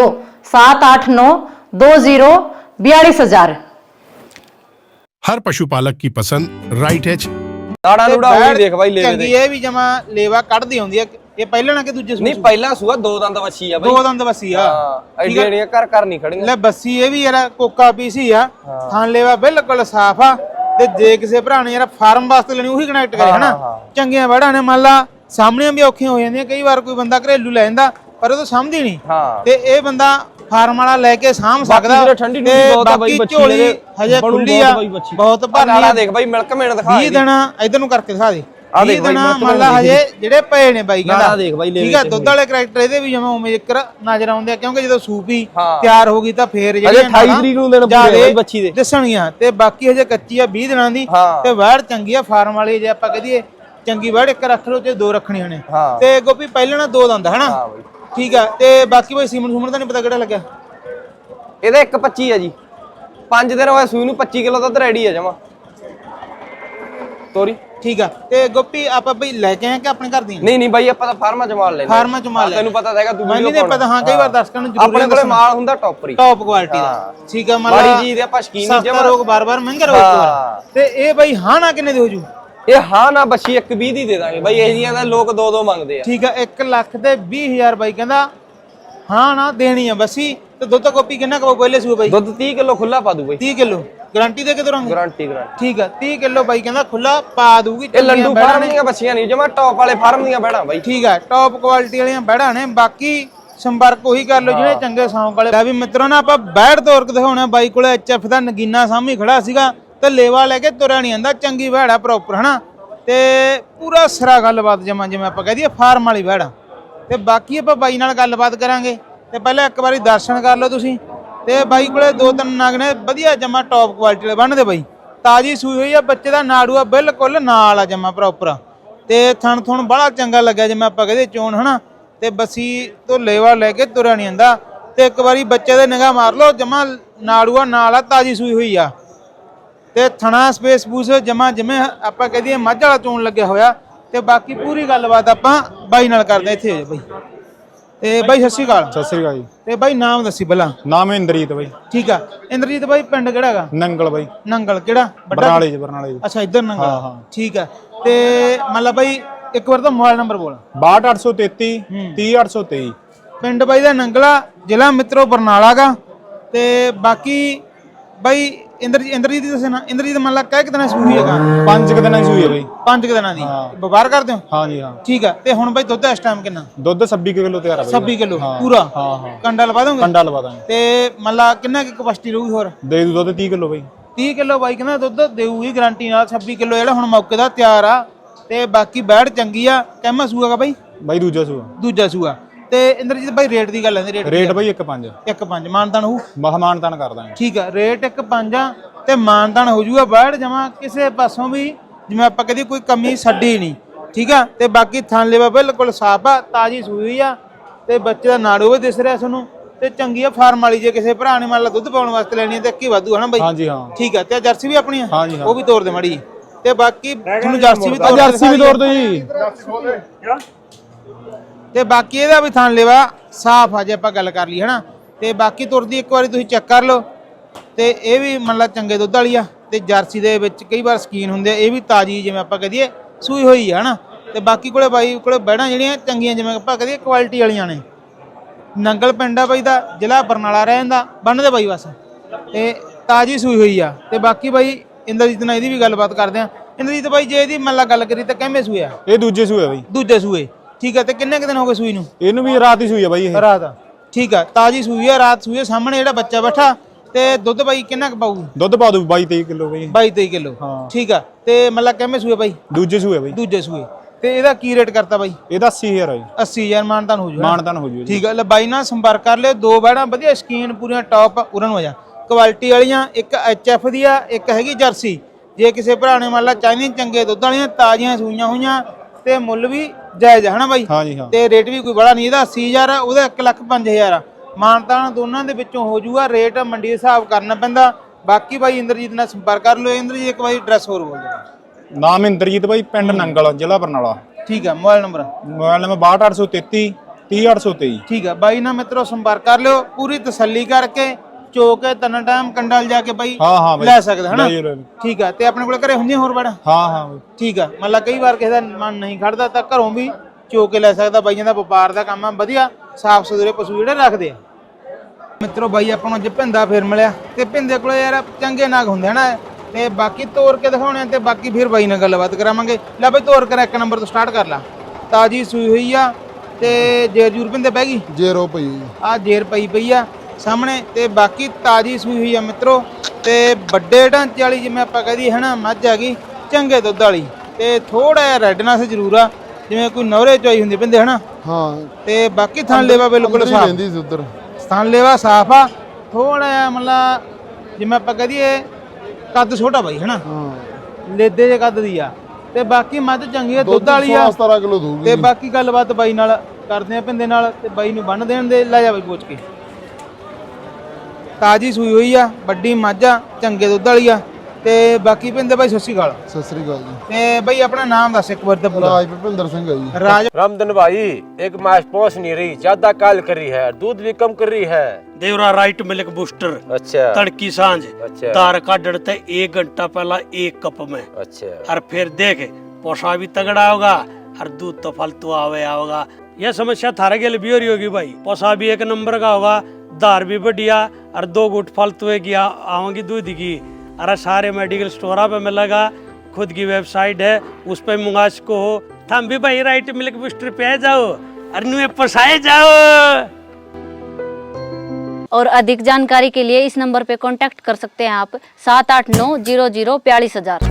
[SPEAKER 3] 78920424000।
[SPEAKER 4] हर पशुपालक की पसंद राइट एच।
[SPEAKER 2] ਨਾੜਾਂ ਨੂੜਾ ਉਹ ਦੇਖ ਬਾਈ ਲੇਵੇ
[SPEAKER 1] ਚੰਗੀ ਇਹ ਵੀ ਜਮਾ ਲੇਵਾ ਕੱਢਦੀ ਹੁੰਦੀ ਆ। ਇਹ ਪਹਿਲਾਂ ਨਾ ਕਿ ਦੂਜੇ ਸੂਆ?
[SPEAKER 2] ਨਹੀਂ ਪਹਿਲਾ ਸੂਆ 2 ਦੰਦ ਵੱਛੀ ਆ ਬਾਈ।
[SPEAKER 1] 2 ਦੰਦ ਬੱਸੀ ਆ।
[SPEAKER 2] ਐਡੀਆਂ ਐਡੀਆਂ ਘਰ ਨਹੀਂ ਖੜੀਆਂ।
[SPEAKER 1] ਲੈ ਬੱਸੀ ਇਹ ਵੀ ਯਾਰ ਕੋਕਾ ਪੀਸੀ ਆ। ਥਣ ਲੇਵਾ ਬਿਲਕੁਲ ਸਾਫ ਆ। ਤੇ ਜੇ ਕਿਸੇ ਭਰਾ ਨੇ ਯਾਰ ਫਾਰਮ ਵਾਸਤੇ ਲੈਣੀ ਉਹੀ ਕਨੈਕਟ ਕਰੇ ਹਨਾ। ਚੰਗੀਆਂ ਵੜਾਂ ਨੇ ਮੰਨ ਲਾ ਸਾਹਮਣੇ ਵੀ ਔਖੀਆਂ ਹੋ ਜਾਂਦੀਆਂ ਕਈ ਵਾਰ। ਕੋਈ ਬੰਦਾ ਘਰੇਲੂ ਲੈ ਜਾਂਦਾ ਪਰ ਉਹ ਤਾਂ ਸਮਝਦੀ ਨਹੀਂ। ਤੇ ਇਹ ਬੰਦਾ ਫਾਰਮ ਵਾਲਾ ਲੈ ਕੇ ਸਾਂਭ ਸਕਦਾ।
[SPEAKER 2] ਠੰਡੀ
[SPEAKER 1] ਤੇ ਬਾਕੀ ਝੋਲੀ ਹਜੇ ਖੁੱਲੀ ਆ ਬਹੁਤ ਭਰਨੀ ਆ।
[SPEAKER 2] ਦੇਖ ਬਾਈ ਮਿਲਕ ਮੇਣ ਦਿਖਾ
[SPEAKER 1] 20 ਦਿਨ ਇਧਰ ਨੂੰ ਕਰਕੇ ਦਿਖਾ ਦੇ। 20 ਦਿਨ ਮੰਨ ਲਾ ਹਜੇ ਜਿਹੜੇ ਪਏ ਨੇ ਬਾਈ ਕਹਿੰਦਾ। ਠੀਕ ਆ ਦੁੱਧ ਵਾਲੇ ਕਰੈਕਟਰ ਇਹਦੇ ਵੀ ਜਿਵੇਂ ਉਵੇਂ ਜ਼ਿਕਰ ਨਜ਼ਰ ਆਉਂਦੇ ਆ ਕਿਉਂਕਿ ਜਦੋਂ ਸੂਪੀ ਤਿਆਰ ਹੋ ਗਈ ਤਾਂ ਫੇਰ ਜਿਹੜੇ
[SPEAKER 2] 28 ਤਰੀਕ ਨੂੰ ਦਿਨ ਪੂਰੇ ਬਾਈ ਬੱਚੀ ਦੇ
[SPEAKER 1] ਦੱਸਣੀਆਂ। ਤੇ ਬਾਕੀ ਹਜੇ ਕੱਚੀ ਆ 20 ਦਿਨਾਂ ਦੀ। ਤੇ ਵੈੜ ਚੰਗੀ ਆ ਫਾਰਮ ਵਾਲੀ। ਜੇ ਆਪਾਂ ਕਹਦੀਏ ਚੰਗੀ ਵੈੜ ਇੱਕ ਰੱਖ ਲਓ ਤੇ 2 ਰੱਖਣੀਆਂ ਨੇ। ਤੇ ਗੋਪੀ ਪਹਿਲਾਂ ਨਾ 2 ਦੰਦ ਹਨਾ। ਠੀਕ ਆ ਤੇ ਬਾਕੀ ਬਾਈ ਸੀਮਨ ਦਾ ਨਹੀਂ ਪਤਾ ਕਿਹੜਾ ਲੱਗਿਆ।
[SPEAKER 2] ਇਹਦਾ 1.25 ਆ ਜੀ। 5 ਦਿਨ ਹੋਏ ਸੂਈ ਨੂੰ 25 ਕਿਲੋ ਦੁੱਧ ਰੈਡੀ ਆ ਜਮਾ। ਤੋਰੀ
[SPEAKER 1] ਠੀਕ ਆ। ਤੇ ਗੋਪੀ ਆਪਾਂ ਬਈ ਲੈ ਕੇ ਆਏ ਕਿ ਆਪਣੇ ਘਰ ਦੀਆਂ?
[SPEAKER 2] ਨਹੀਂ ਬਾਈ ਆਪਾਂ ਤਾਂ ਫਾਰਮਾਂ ਚ ਮਾਲ ਲੈਂਦੇ
[SPEAKER 1] ਫਾਰਮਾਂ ਚ ਮਾਲ ਲੈ
[SPEAKER 2] ਤੈਨੂੰ ਪਤਾ ਹੈਗਾ ਤੂੰ
[SPEAKER 1] ਮੈਨੂੰ ਨਹੀਂ ਪਤਾ। ਹਾਂ ਕਈ ਵਾਰ ਦਰਸ਼ਕਾਂ ਨੂੰ ਜ਼ਰੂਰੀ
[SPEAKER 2] ਆਪਣੇ ਕੋਲੇ ਮਾਲ ਹੁੰਦਾ ਟੌਪਰੀ
[SPEAKER 1] ਟੌਪ ਕੁਆਲਿਟੀ ਦਾ। ਠੀਕ ਆ।
[SPEAKER 2] ਮਾੜੀ ਚੀਜ਼ ਦੇ ਆਪਾਂ ਸ਼ਕੀਨ ਨਹੀਂ
[SPEAKER 1] ਜਮਾ ਰੋਗ ਬਾਰ-ਬਾਰ ਮਹਿੰਗਾ ਰੋਗ ਤੇ ਇਹ ਬਈ ਹਾਂ ਨਾ ਕਿੰਨੇ ਦੀ ਹੋ ਜੂ?
[SPEAKER 2] ਇਹ ਹਾਂ ਨਾ ਬੱਚੀ 120 ਦੀ ਦੇ ਦਾਂਗੇ ਬਾਈ। ਇਹ ਜੀਆਂ ਦਾ ਲੋਕ 2-2 ਮੰਗਦੇ ਆ।
[SPEAKER 1] ਠੀਕ ਆ। 1,20,000 ਬਾਈ ਕਹਿੰਦਾ ਹਾਂ ਨਾ ਦੇਣੀ ਆ ਬੱਸੀ। ਤੇ ਦੁੱਧ ਗੋਪੀ ਕਿੰਨਾ ਕੋ ਪਹਿਲੇ ਸੂਏ ਬਾਈ?
[SPEAKER 2] ਦੁੱਧ 30 ਕਿਲੋ ਖੁੱਲਾ ਪਾ ਦੂ ਬਾਈ।
[SPEAKER 1] 30 ਕਿਲੋ ਗਾਰੰਟੀ ਦੇ ਕੇ ਤੁਰਾਂਗੇ?
[SPEAKER 2] ਗਾਰੰਟੀ
[SPEAKER 1] ਠੀਕ ਆ। 30 ਕਿਲੋ ਬਾਈ ਕਹਿੰਦਾ ਖੁੱਲਾ ਪਾ ਦੂਗੀ।
[SPEAKER 2] ਇਹ ਲੰਡੂ ਫਾਰਮ ਦੀਆਂ ਬੱਚੀਆਂ ਨਹੀਂ ਜਮਾ ਟੌਪ ਵਾਲੇ ਫਾਰਮ ਦੀਆਂ ਬੈੜਾਂ ਬਾਈ।
[SPEAKER 1] ਠੀਕ ਆ। ਟੌਪ ਕੁਆਲਿਟੀ ਵਾਲੀਆਂ ਬੈੜਾਂ ਨੇ। ਬਾਕੀ ਸੰਪਰਕ ਉਹੀ ਕਰ ਲਓ ਜਿਹੜੇ ਚੰਗੇ ਸੌਂਕ ਵਾਲੇ। ਲੈ ਵੀ ਮਿੱਤਰੋ ਨਾ ਆਪਾਂ ਬੈੜ ਤੋਰ ਕੇ ਦਿਖਾਉਣਾ ਬਾਈ ਕੋਲੇ ਐਚਐਫ ਦਾ ਨਗੀਨਾ ਸਾਹਮਣੇ ਖੜਾ ਸੀਗਾ ਤੇ ਲੇਵਾ ਲੈ ਕੇ ਤੁਰਿਆ ਨਹੀਂ ਆਂਦਾ। ਚੰਗੀ ਬੈੜ ਪ੍ਰੋਪਰ ਹਨਾ ਤੇ ਪੂਰਾ ਸਿਰਾ ਗੱਲਬਾਤ ਜਮਾ ਜਿਵੇਂ ਆਪਾਂ ਕਹਿ ਦਈਏ ਫਾਰਮ ਵਾਲੀ ਬੈੜ। ਤੇ ਬਾਕੀ ਆਪਾਂ ਬਾਈ ਨਾਲ ਗੱਲਬਾਤ ਕਰਾਂਗੇ ਤੇ ਪਹਿਲਾਂ ਇੱਕ ਵਾਰੀ ਦਰਸ਼ਨ ਕਰ ਲਓ ਤੁਸੀਂ। ਤੇ ਬਾਈ ਕੋਲੇ 2-3 ਨਗ ਨੇ ਵਧੀਆ ਜਮਾ ਟੌਪ ਕੁਆਲਿਟੀ ਵਾਲੇ ਬੰਨਦੇ ਬਾਈ। ਤਾਜੀ ਸੂਈ ਹੋਈ ਆ। ਬੱਚੇ ਦਾ ਨਾੜੂਆ ਬਿਲਕੁਲ ਨਾਲ ਆ ਜਮਾ ਪ੍ਰੋਪਰ। ਤੇ ਥਣ ਥੁਣ ਬੜਾ ਚੰਗਾ ਲੱਗਿਆ ਜਿਵੇਂ ਆਪਾਂ ਕਹਦੇ ਚੋਣ ਹਨਾ। ਤੇ ਬੱਸੀ ਤੋਂ ਲੇਵਾ ਲੈ ਕੇ ਤੁਰਿਆ ਨਹੀਂ ਆਂਦਾ। ਤੇ ਇੱਕ ਵਾਰੀ ਬੱਚੇ ਦੇ ਨਿਗਾਹ ਮਾਰ ਲਓ ਜਮਾ ਨਾੜੂਆ ਨਾਲ ਆ। ਤਾਜੀ ਸੂਈ ਹੋਈ ਆ ਤੇ ਥਣਾ ਸਪੇਸ ਪੂਸ ਜਮਾ ਜਿਵੇਂ ਆਪਾਂ ਕਹ ਦਈਏ ਮੱਝ ਵਾਲਾ ਚੋਣ ਲੱਗਿਆ ਹੋਇਆ। ਤੇ ਬਾਕੀ ਪੂਰੀ ਗੱਲਬਾਤ ਆਪਾਂ ਬਾਈ ਨਾਲ ਕਰਦੇ ਇੱਥੇ ਹੋ ਜਾ ਬਾਈ। ਤੇ ਬਾਈ ਸਤਿ ਸ਼੍ਰੀ ਅਕਾਲ।
[SPEAKER 5] ਸਤਿ ਸ੍ਰੀ ਅਕਾਲ ਜੀ।
[SPEAKER 1] ਤੇ ਬਾਈ ਨਾਮ ਦੱਸੀ ਪਹਿਲਾਂ।
[SPEAKER 5] ਨਾਮ ਇੰਦਰੀਤ ਬਾਈ।
[SPEAKER 1] ਠੀਕ ਆ। ਇੰਦਰਜੀਤ ਬਾਈ ਪਿੰਡ ਕਿਹੜਾ ਹੈਗਾ?
[SPEAKER 5] ਨੰਗਲ ਬਾਈ।
[SPEAKER 1] ਨੰਗਲ ਕਿਹੜਾ?
[SPEAKER 5] ਬਰਨਾਲੇ ਜੀ। ਬਰਨਾਲੇ ਜੀ।
[SPEAKER 1] ਅੱਛਾ ਇੱਧਰ ਨੰਗਲ।
[SPEAKER 5] ਹਾਂ ਹਾਂ
[SPEAKER 1] ਠੀਕ ਆ। ਤੇ ਮਤਲਬ ਬਾਈ ਇੱਕ ਵਾਰ ਤਾਂ ਮੋਬਾਈਲ ਨੰਬਰ ਬੋਲ।
[SPEAKER 5] 62833 30823।
[SPEAKER 1] ਪਿੰਡ ਬਾਈ ਦਾ ਨੰਗਲਾ, ਜ਼ਿਲ੍ਹਾ ਮਿੱਤਰੋ ਬਰਨਾਲਾ ਗਾ। ਤੇ ਬਾਕੀ ਬਾਈ ਇੰਦਰਜੀਤ ਦੀ ਦੱਸਣਾ। ਇੰਦਰਜੀਤ ਮੰਨ ਲਾ ਕਹਿ ਕਿ ਦਿਨਾਂ ਸੂਈ ਹੈਗਾ?
[SPEAKER 5] 5 ਕੁ ਦਿਨਾਂ ਦੀ ਸੂਈ ਹੈ ਬਾਈ।
[SPEAKER 1] 5 ਦਿਨਾਂ ਦੀ ਵਪਾਰ ਕਰਦੇ ਹੋ?
[SPEAKER 5] ਹਾਂ ਜੀ ਹਾਂ।
[SPEAKER 1] ਠੀਕ ਆ। ਤੇ ਹੁਣ ਬਾਈ ਦੁੱਧ ਇਸ ਟਾਈਮ ਕਿੰਨਾ?
[SPEAKER 5] ਦੁੱਧ 26 ਕਿਲੋ ਤਿਆਰ ਹੈ ਬਾਈ।
[SPEAKER 1] 26 ਕਿਲੋ ਪੂਰਾ?
[SPEAKER 5] ਹਾਂ ਹਾਂ।
[SPEAKER 1] ਕੰਡਾ ਲਵਾ ਦੋਗੇ?
[SPEAKER 5] ਕੰਡਾ ਲਵਾ ਦਾਂਗੇ।
[SPEAKER 1] ਤੇ ਮੰਨ ਲਾ ਕਿੰਨਾ ਕਿ ਕਪੈਸਿਟੀ ਰਹੂਗੀ ਹੋਰ?
[SPEAKER 5] ਦੇ ਦੂ ਦੁੱਧ 30 ਕਿਲੋ ਬਾਈ।
[SPEAKER 1] 30 ਕਿਲੋ ਬਾਈ ਕਹਿੰਦਾ ਦੁੱਧ ਦੇਊਗੀ ਗਾਰੰਟੀ ਨਾਲ। 26 ਕਿਲੋ ਜਿਹੜਾ ਹੁਣ ਮੌਕੇ ਦਾ ਤਿਆਰ ਆ। ਤੇ ਬਾਕੀ ਬੈੜ ਚੰਗੀ ਆ। ਕਹਿਮਾ ਸੂਆਗਾ ਬਾਈ?
[SPEAKER 5] ਬਾਈ ਦੂਜਾ ਸੂਆ।
[SPEAKER 1] ਦੂਜਾ ਸੂਆ। ਤੇ ਇੰਦਰਜੀਤ ਬਾਈ ਰੇਟ ਦੀ ਗੱਲ ਹੈ?
[SPEAKER 5] ਰੇਟ ਬਾਈ 1.5।
[SPEAKER 1] 1.5 ਮਾਨਤਾਨ ਹੋਊ?
[SPEAKER 5] ਮਹਮਾਨਤਾਨ ਕਰ ਦਾਂਗੇ।
[SPEAKER 1] ਠੀਕ ਆ। ਰੇਟ 1.5 ਆ ਤੇ ਮਾਨਤਾਨ ਹੋ ਜੂਗਾ। ਬੈੜ ਜਮਾ ਕਿਸੇ ਪਾਸੋਂ ਵੀ ਜਿਵੇਂ ਆਪਾਂ ਕਹਦੇ ਕੋਈ ਕਮੀ ਛੱਡੀ ਨਹੀਂ। ਠੀਕ ਆ। ਤੇ ਬਾਕੀ ਥਣ ਲੇਵਾ ਬਿਲਕੁਲ ਸਾਫ ਆ। ਤਾਜੀ ਸੂਈ ਆ ਤੇ ਬੱਚੇ ਦਾ ਨਾੜੂ ਵੀ ਦਿਸ ਰਿਹਾ ਤੁਹਾਨੂੰ। ਤੇ ਚੰਗੀ ਆ ਫਾਰਮ ਵਾਲੀ। ਜੇ ਕਿਸੇ ਭਰਾ ਨੇ ਮੰਨ ਲਾ ਦੁੱਧ ਪਾਉਣ ਵਾਸਤੇ ਲੈਣੀ ਤੇ ਕੀ ਵਾਧੂ ਹਨਾ ਬਾਈ?
[SPEAKER 5] ਹਾਂ ਜੀ ਹਾਂ।
[SPEAKER 1] ਠੀਕ ਆ। ਤੇ ਜਰਸੀ ਵੀ ਆਪਣੀ ਆ?
[SPEAKER 5] ਹਾਂ ਜੀ ਹਾਂ।
[SPEAKER 1] ਉਹ ਵੀ ਤੋੜ ਦੇ ਮਾੜੀ। ਤੇ ਬਾਕੀ ਤੁਹਾਨੂੰ ਜਰਸੀ ਵੀ ਤੋੜ
[SPEAKER 5] ਦੋ ਜੀ।
[SPEAKER 1] ਤੇ ਬਾਕੀ ਇਹਦਾ ਵੀ ਥਣ ਲੇਵਾ ਸਾਫ ਆ ਜੇ ਆਪਾਂ ਗੱਲ ਕਰ ਲਈ ਹਨਾ। ਤੇ ਬਾਕੀ ਤੁਰਦੀ ਇੱਕ ਵਾਰੀ ਤੁਸੀਂ ਚੈੱਕ ਕਰ ਲਓ। ਤੇ ਇਹ ਵੀ ਮੰਨ ਲਾ ਚੰਗੇ ਦੁੱਧ ਵਾਲੀ ਆ। ਤੇ ਜਰਸੀ ਦੇ ਵਿੱਚ ਕਈ ਵਾਰ ਸਕੀਨ ਹੁੰਦੇ ਆ। ਇਹ ਵੀ ਤਾਜੀ ਜਿਵੇਂ ਆਪਾਂ ਕਹਦੀਏ ਸੂਈ ਹੋਈ ਆ ਹਨਾ। ਤੇ ਬਾਕੀ ਕੋਲੇ ਬਾਈ ਕੋਲੇ ਬੈੜਾਂ ਜਿਹੜੀਆਂ ਚੰਗੀਆਂ ਜਿਵੇਂ ਆਪਾਂ ਕਹਦੀਏ ਕੁਆਲਿਟੀ ਵਾਲੀਆਂ ਨੇ। ਨੰਗਲ ਪਿੰਡ ਆ ਬਾਈ ਦਾ, ਜ਼ਿਲ੍ਹਾ ਬਰਨਾਲਾ ਰਹਿ ਜਾਂਦਾ। ਬੰਨਦੇ ਬਾਈ ਬਸ। ਤੇ ਤਾਜੀ ਸੂਈ ਹੋਈ ਆ। ਤੇ ਬਾਕੀ ਬਾਈ ਇੰਦਰਜੀਤ ਨਾਲ ਇਹਦੀ ਵੀ ਗੱਲਬਾਤ ਕਰਦੇ ਆ। ਇੰਦਰਜੀਤ ਬਾਈ ਜੇ ਇਹਦੀ ਮੰਨ ਲਾ ਗੱਲ ਕਰੀ ਤਾਂ ਕਿਵੇਂ ਸੂਏ ਆ?
[SPEAKER 5] ਇਹ ਦੂਜੇ ਸੂਏ ਬਾਈ।
[SPEAKER 1] ਦੂਜੇ ਸੂਏ। ਠੀਕ ਆ। ਤੇ ਕਿੰਨੇ ਕੁ ਦਿਨ ਹੋ ਗਏ ਸੂਈ ਨੂੰ?
[SPEAKER 5] ਇਹਨੂੰ ਵੀ ਰਾਤ ਹੀ ਸੂਈ ਆ ਬਾਈ ਇਹ।
[SPEAKER 1] ਰਾਤ ਆ। ਠੀਕ ਆ। ਤਾਜੀ ਸੂਈ ਆ। ਰਾਤ ਸੂਈ ਆ। ਸਾਹਮਣੇ ਜਿਹੜਾ ਬੱਚਾ ਬੈਠਾ। ਤੇ ਦੁੱਧ ਬਾਈ ਕਿੰਨਾ ਕੁ ਪਾਊਗੀ?
[SPEAKER 5] ਦੁੱਧ ਪਾ ਦੂ 22-23 ਕਿਲੋ ਬਾਈ।
[SPEAKER 1] 22-23 ਕਿਲੋ।
[SPEAKER 5] ਹਾਂ।
[SPEAKER 1] ਠੀਕ ਆ। ਤੇ ਮਤਲਬ ਕਿਵੇਂ ਸੂਏ ਬਾਈ?
[SPEAKER 5] ਦੂਜੇ ਸੂਏ ਬਾਈ।
[SPEAKER 1] ਦੂਜੇ ਸੂਏ। ਤੇ ਇਹਦਾ ਕੀ ਰੇਟ ਕਰਤਾ ਬਾਈ?
[SPEAKER 5] ਇਹਦਾ 80000 ਹੈ।
[SPEAKER 1] 80000 ਮਾਨਤਾਨ ਹੋ ਜੂ?
[SPEAKER 5] ਮਾਨਤਾਨ ਹੋ ਜੂ।
[SPEAKER 1] ਠੀਕ ਆ। ਲੈ ਬਾਈ ਨਾਲ ਸੰਪਰਕ ਕਰ ਲਿਓ। ਦੋ ਬੈੜਾਂ ਵਧੀਆ ਸਕੀਨ ਪੂਰੀਆਂ ਟੌਪ ਉਰਨ ਹੋ ਜਾ ਕੁਆਲਿਟੀ ਵਾਲੀਆਂ। ਇੱਕ ਐਚਐਫ ਦੀ ਆ, ਇੱਕ ਹੈਗੀ ਜਰਸੀ। ਜੇ ਕਿਸੇ ਭਰਾ ਨੇ ਮੰਨ ਲਾ ਚਾਹੀਦੀਆਂ ਚੰਗੇ ਦੁੱਧ ਵਾਲੀਆਂ ਤਾਜ਼ੀਆਂ ਸੂਈਆਂ ਹੋਈਆਂ ਤੇ ਮੁੱਲ ਵੀ ਜਾਇਜ਼ ਹੈ ਹਨਾ ਬਾਈ?
[SPEAKER 5] ਹਾਂ ਜੀ ਹਾਂ।
[SPEAKER 1] ਤੇ ਰੇਟ ਵੀ ਕੋਈ ਬੜਾ ਨਹੀਂ। ਇਹਦਾ 80000 ਆ, ਉਹਦਾ 1,05,000 ਆ। ਮਾਨਤਾਨ ਦੋਨਾਂ ਦੇ ਵਿੱਚੋਂ ਹੋ ਜੂਗਾ। ਰੇਟ ਮੰਡੀ ਦੇ ਹਿਸਾਬ ਕਰਨਾ ਪੈਂਦਾ। ਬਾਕੀ ਬਾਈ ਇੰਦਰਜੀਤ ਨਾਲ ਸੰਪਰਕ ਕਰ ਲਿਓ। ਇੰਦਰਜੀਤ ਇੱਕ ਵਾਰੀ ਐਡਰੈਸ ਹੋਰ ਬੋਲ ਦਿਓ।
[SPEAKER 5] ਨਾਮ ਇੰਦਰਜੀਤ ਬਾਈ। ਪਿੰਡ ਨੰਗਲ, ਜ਼ਿਲ੍ਹਾ ਬਰਨਾਲਾ।
[SPEAKER 1] ਠੀਕ ਆ। Mobile number?
[SPEAKER 5] Mobile number 62833 30823।
[SPEAKER 1] ਠੀਕ ਆ। ਬਾਈ ਨਾਲ ਮਿੱਤਰੋ ਸੰਪਰਕ ਕਰ ਲਿਓ। ਪੂਰੀ ਤਸੱਲੀ ਕਰਕੇ ਚੋ ਕੇ ਤਿੰਨ ਟਾਈਮ ਕੰਡਲ ਜਾ ਕੇ ਬਾਈ
[SPEAKER 5] ਹਾਂ ਹਾਂ ਬਾਈ
[SPEAKER 1] ਲੈ ਸਕਦਾ ਹਨਾ।
[SPEAKER 5] ਠੀਕ
[SPEAKER 1] ਆ। ਤੇ ਆਪਣੇ ਕੋਲ ਘਰੇ ਹੁੰਦੀਆਂ ਹੋਰ ਬੜਾ?
[SPEAKER 5] ਹਾਂ ਹਾਂ ਬਾਈ।
[SPEAKER 1] ਠੀਕ ਆ। ਮੰਨ ਲਾ ਕਈ ਵਾਰ ਕਿਸੇ ਦਾ ਮਨ ਨਹੀਂ ਖੜਦਾ ਤਾਂ ਘਰੋਂ ਵੀ ਚੋ ਕੇ ਲੈ ਸਕਦਾ। ਬਾਈਆਂ ਦਾ ਵਪਾਰ ਦਾ ਕੰਮ ਆ। ਵਧੀਆ ਸਾਫ ਸੁਥਰੇ ਪਸ਼ੂ ਜਿਹੜੇ ਰੱਖਦੇ ਆ ਮਿੱਤਰੋ। ਬਾਈ ਆਪਾਂ ਨੂੰ ਅੱਜ ਭਿੰਦਾ ਫੇਰ ਮਿਲਿਆ। ਤੇ ਭਿੰਦੇ ਕੋਲੇ ਯਾਰ ਚੰਗੇ ਨਾਗ ਹੁੰਦੇ ਹਨਾ। ਤੇ ਬਾਕੀ ਤੋਰ ਕੇ ਦਿਖਾਉਣੇ ਤੇ ਬਾਕੀ ਫਿਰ ਬਾਈ ਨਾਲ ਗੱਲਬਾਤ ਕਰਾਵਾਂਗੇ। ਲੈ ਬਾਈ ਤੋਰ ਕਰ 1 ਨੰਬਰ ਤੋਂ ਸਟਾਰਟ ਕਰ ਲਾ। ਤਾਜੀ ਸੂਈ ਹੋਈ ਆ ਤੇ ਜੇਰ ਜੂਰ ਭਿੰਦੇ ਪੈ ਗਈ?
[SPEAKER 6] ਜੇਰੋ ਪਈ
[SPEAKER 1] ਆ ਜੇਰ ਪਈ ਆ ਸਾਹਮਣੇ। ਤੇ ਬਾਕੀ ਤਾਜੀ ਸੂਈ ਹੋਈ ਆ ਮਿੱਤਰੋ। ਤੇ ਵੱਡੇ ਢਾਂਚੇ ਵਾਲੀ ਜਿਵੇਂ ਆਪਾਂ ਕਹਦੀ ਹੈ ਨਾ ਮੱਝ ਆ ਗਈ ਚੰਗੇ ਦੁੱਧ ਵਾਲੀ। ਤੇ ਥੋੜਾ ਜਿਹਾ ਰੈਡਨੈਸ ਜ਼ਰੂਰ ਆ ਜਿਵੇਂ ਕੋਈ ਨਵਰੇ ਚੋਈ ਹੁੰਦੀ ਪਿੰਦੇ ਹਨਾ।
[SPEAKER 6] ਹਾਂ।
[SPEAKER 1] ਤੇ ਬਾਕੀ ਥਣ ਲੇਵਾ ਬਿਲਕੁਲ ਸਾਫ
[SPEAKER 6] ਰਹਿੰਦੀ ਸੀ ਉਧਰ।
[SPEAKER 1] ਥਣ ਲੇਵਾ ਸਾਫ ਆ। ਥੋੜਾ ਜਿਹਾ ਮਤਲਬ ਜਿਵੇਂ ਆਪਾਂ ਕਹਦੀਏ ਕੱਦ ਛੋਟਾ ਬਾਈ ਹਨਾ।
[SPEAKER 6] ਹਾਂ।
[SPEAKER 1] ਲੇਦੇ ਜੇ ਕੱਦ ਦੀ ਆ। ਤੇ ਬਾਕੀ ਮੱਝ ਚੰਗੀ ਆ ਦੁੱਧ ਵਾਲੀ ਆ।
[SPEAKER 6] 17 ਕਿਲੋ ਦਊਗੀ।
[SPEAKER 1] ਤੇ ਬਾਕੀ ਗੱਲਬਾਤ ਬਾਈ ਨਾਲ ਕਰਦੇ ਆ ਪਿੰਦੇ ਨਾਲ। ਤੇ ਬਾਈ ਨੂੰ ਬੰਨ ਦੇਣ ਦੇ। ਲੈ ਜਾ ਬਾਈ ਪੁੱਛ ਕੇ। ਤਾਜੀ ਸੂਈ ਹੋਈ ਆ। ਵੱਡੀ ਮੱਝ ਆ ਚੰਗੇ ਦੁੱਧ ਵਾਲੀ ਆ। ਤੇ ਬਾਕੀ ਪਿੰਦੇ ਬਾਈ ਸਤਿ ਸ਼੍ਰੀ ਅਕਾਲ।
[SPEAKER 6] ਸਤਿ ਸ੍ਰੀ ਅਕਾਲ ਜੀ।
[SPEAKER 1] ਤੇ ਬਾਈ ਆਪਣਾ ਨਾਮ ਦੱਸ ਇੱਕ ਵਾਰ ਤਾਂ ਪੂਰਾ।
[SPEAKER 6] ਰਾਜ ਭੁਪਿੰਦਰ ਸਿੰਘ ਹੈ ਜੀ।
[SPEAKER 1] ਰਾਜ
[SPEAKER 2] रामधन भाई एक मास पहुंच नहीं रही, ज्यादा काल कर रही है, दूध भी कम कर रही है।
[SPEAKER 7] देवरा राइट मिल्क बूस्टर
[SPEAKER 2] अच्छा
[SPEAKER 7] तड़की सांझ
[SPEAKER 2] अच्छा
[SPEAKER 7] दार का डरते 1 घंटा पहला 1 कप में,
[SPEAKER 2] अच्छा
[SPEAKER 7] और फिर देख पोषा भी तगड़ा होगा और दूध तो फालतू आवे होगा। यह समस्या थारे के लिए भी हो रही होगी भाई। पोषा भी 1 नंबर का होगा, दार भी बढ़िया, और 2 गुट फालतू की आवेगी दूध की। अरे सारे मेडिकल स्टोर पे मिलेगा, खुद की वेबसाइट है, उस पर मंगा सको हो। थम भी भाई राइट मिल्क बूस्टर पे आ जाओ और नुए पोसाए जाओ।
[SPEAKER 8] और अधिक जानकारी के लिए इस नंबर पे कांटेक्ट कर सकते हैं आप 7890042000।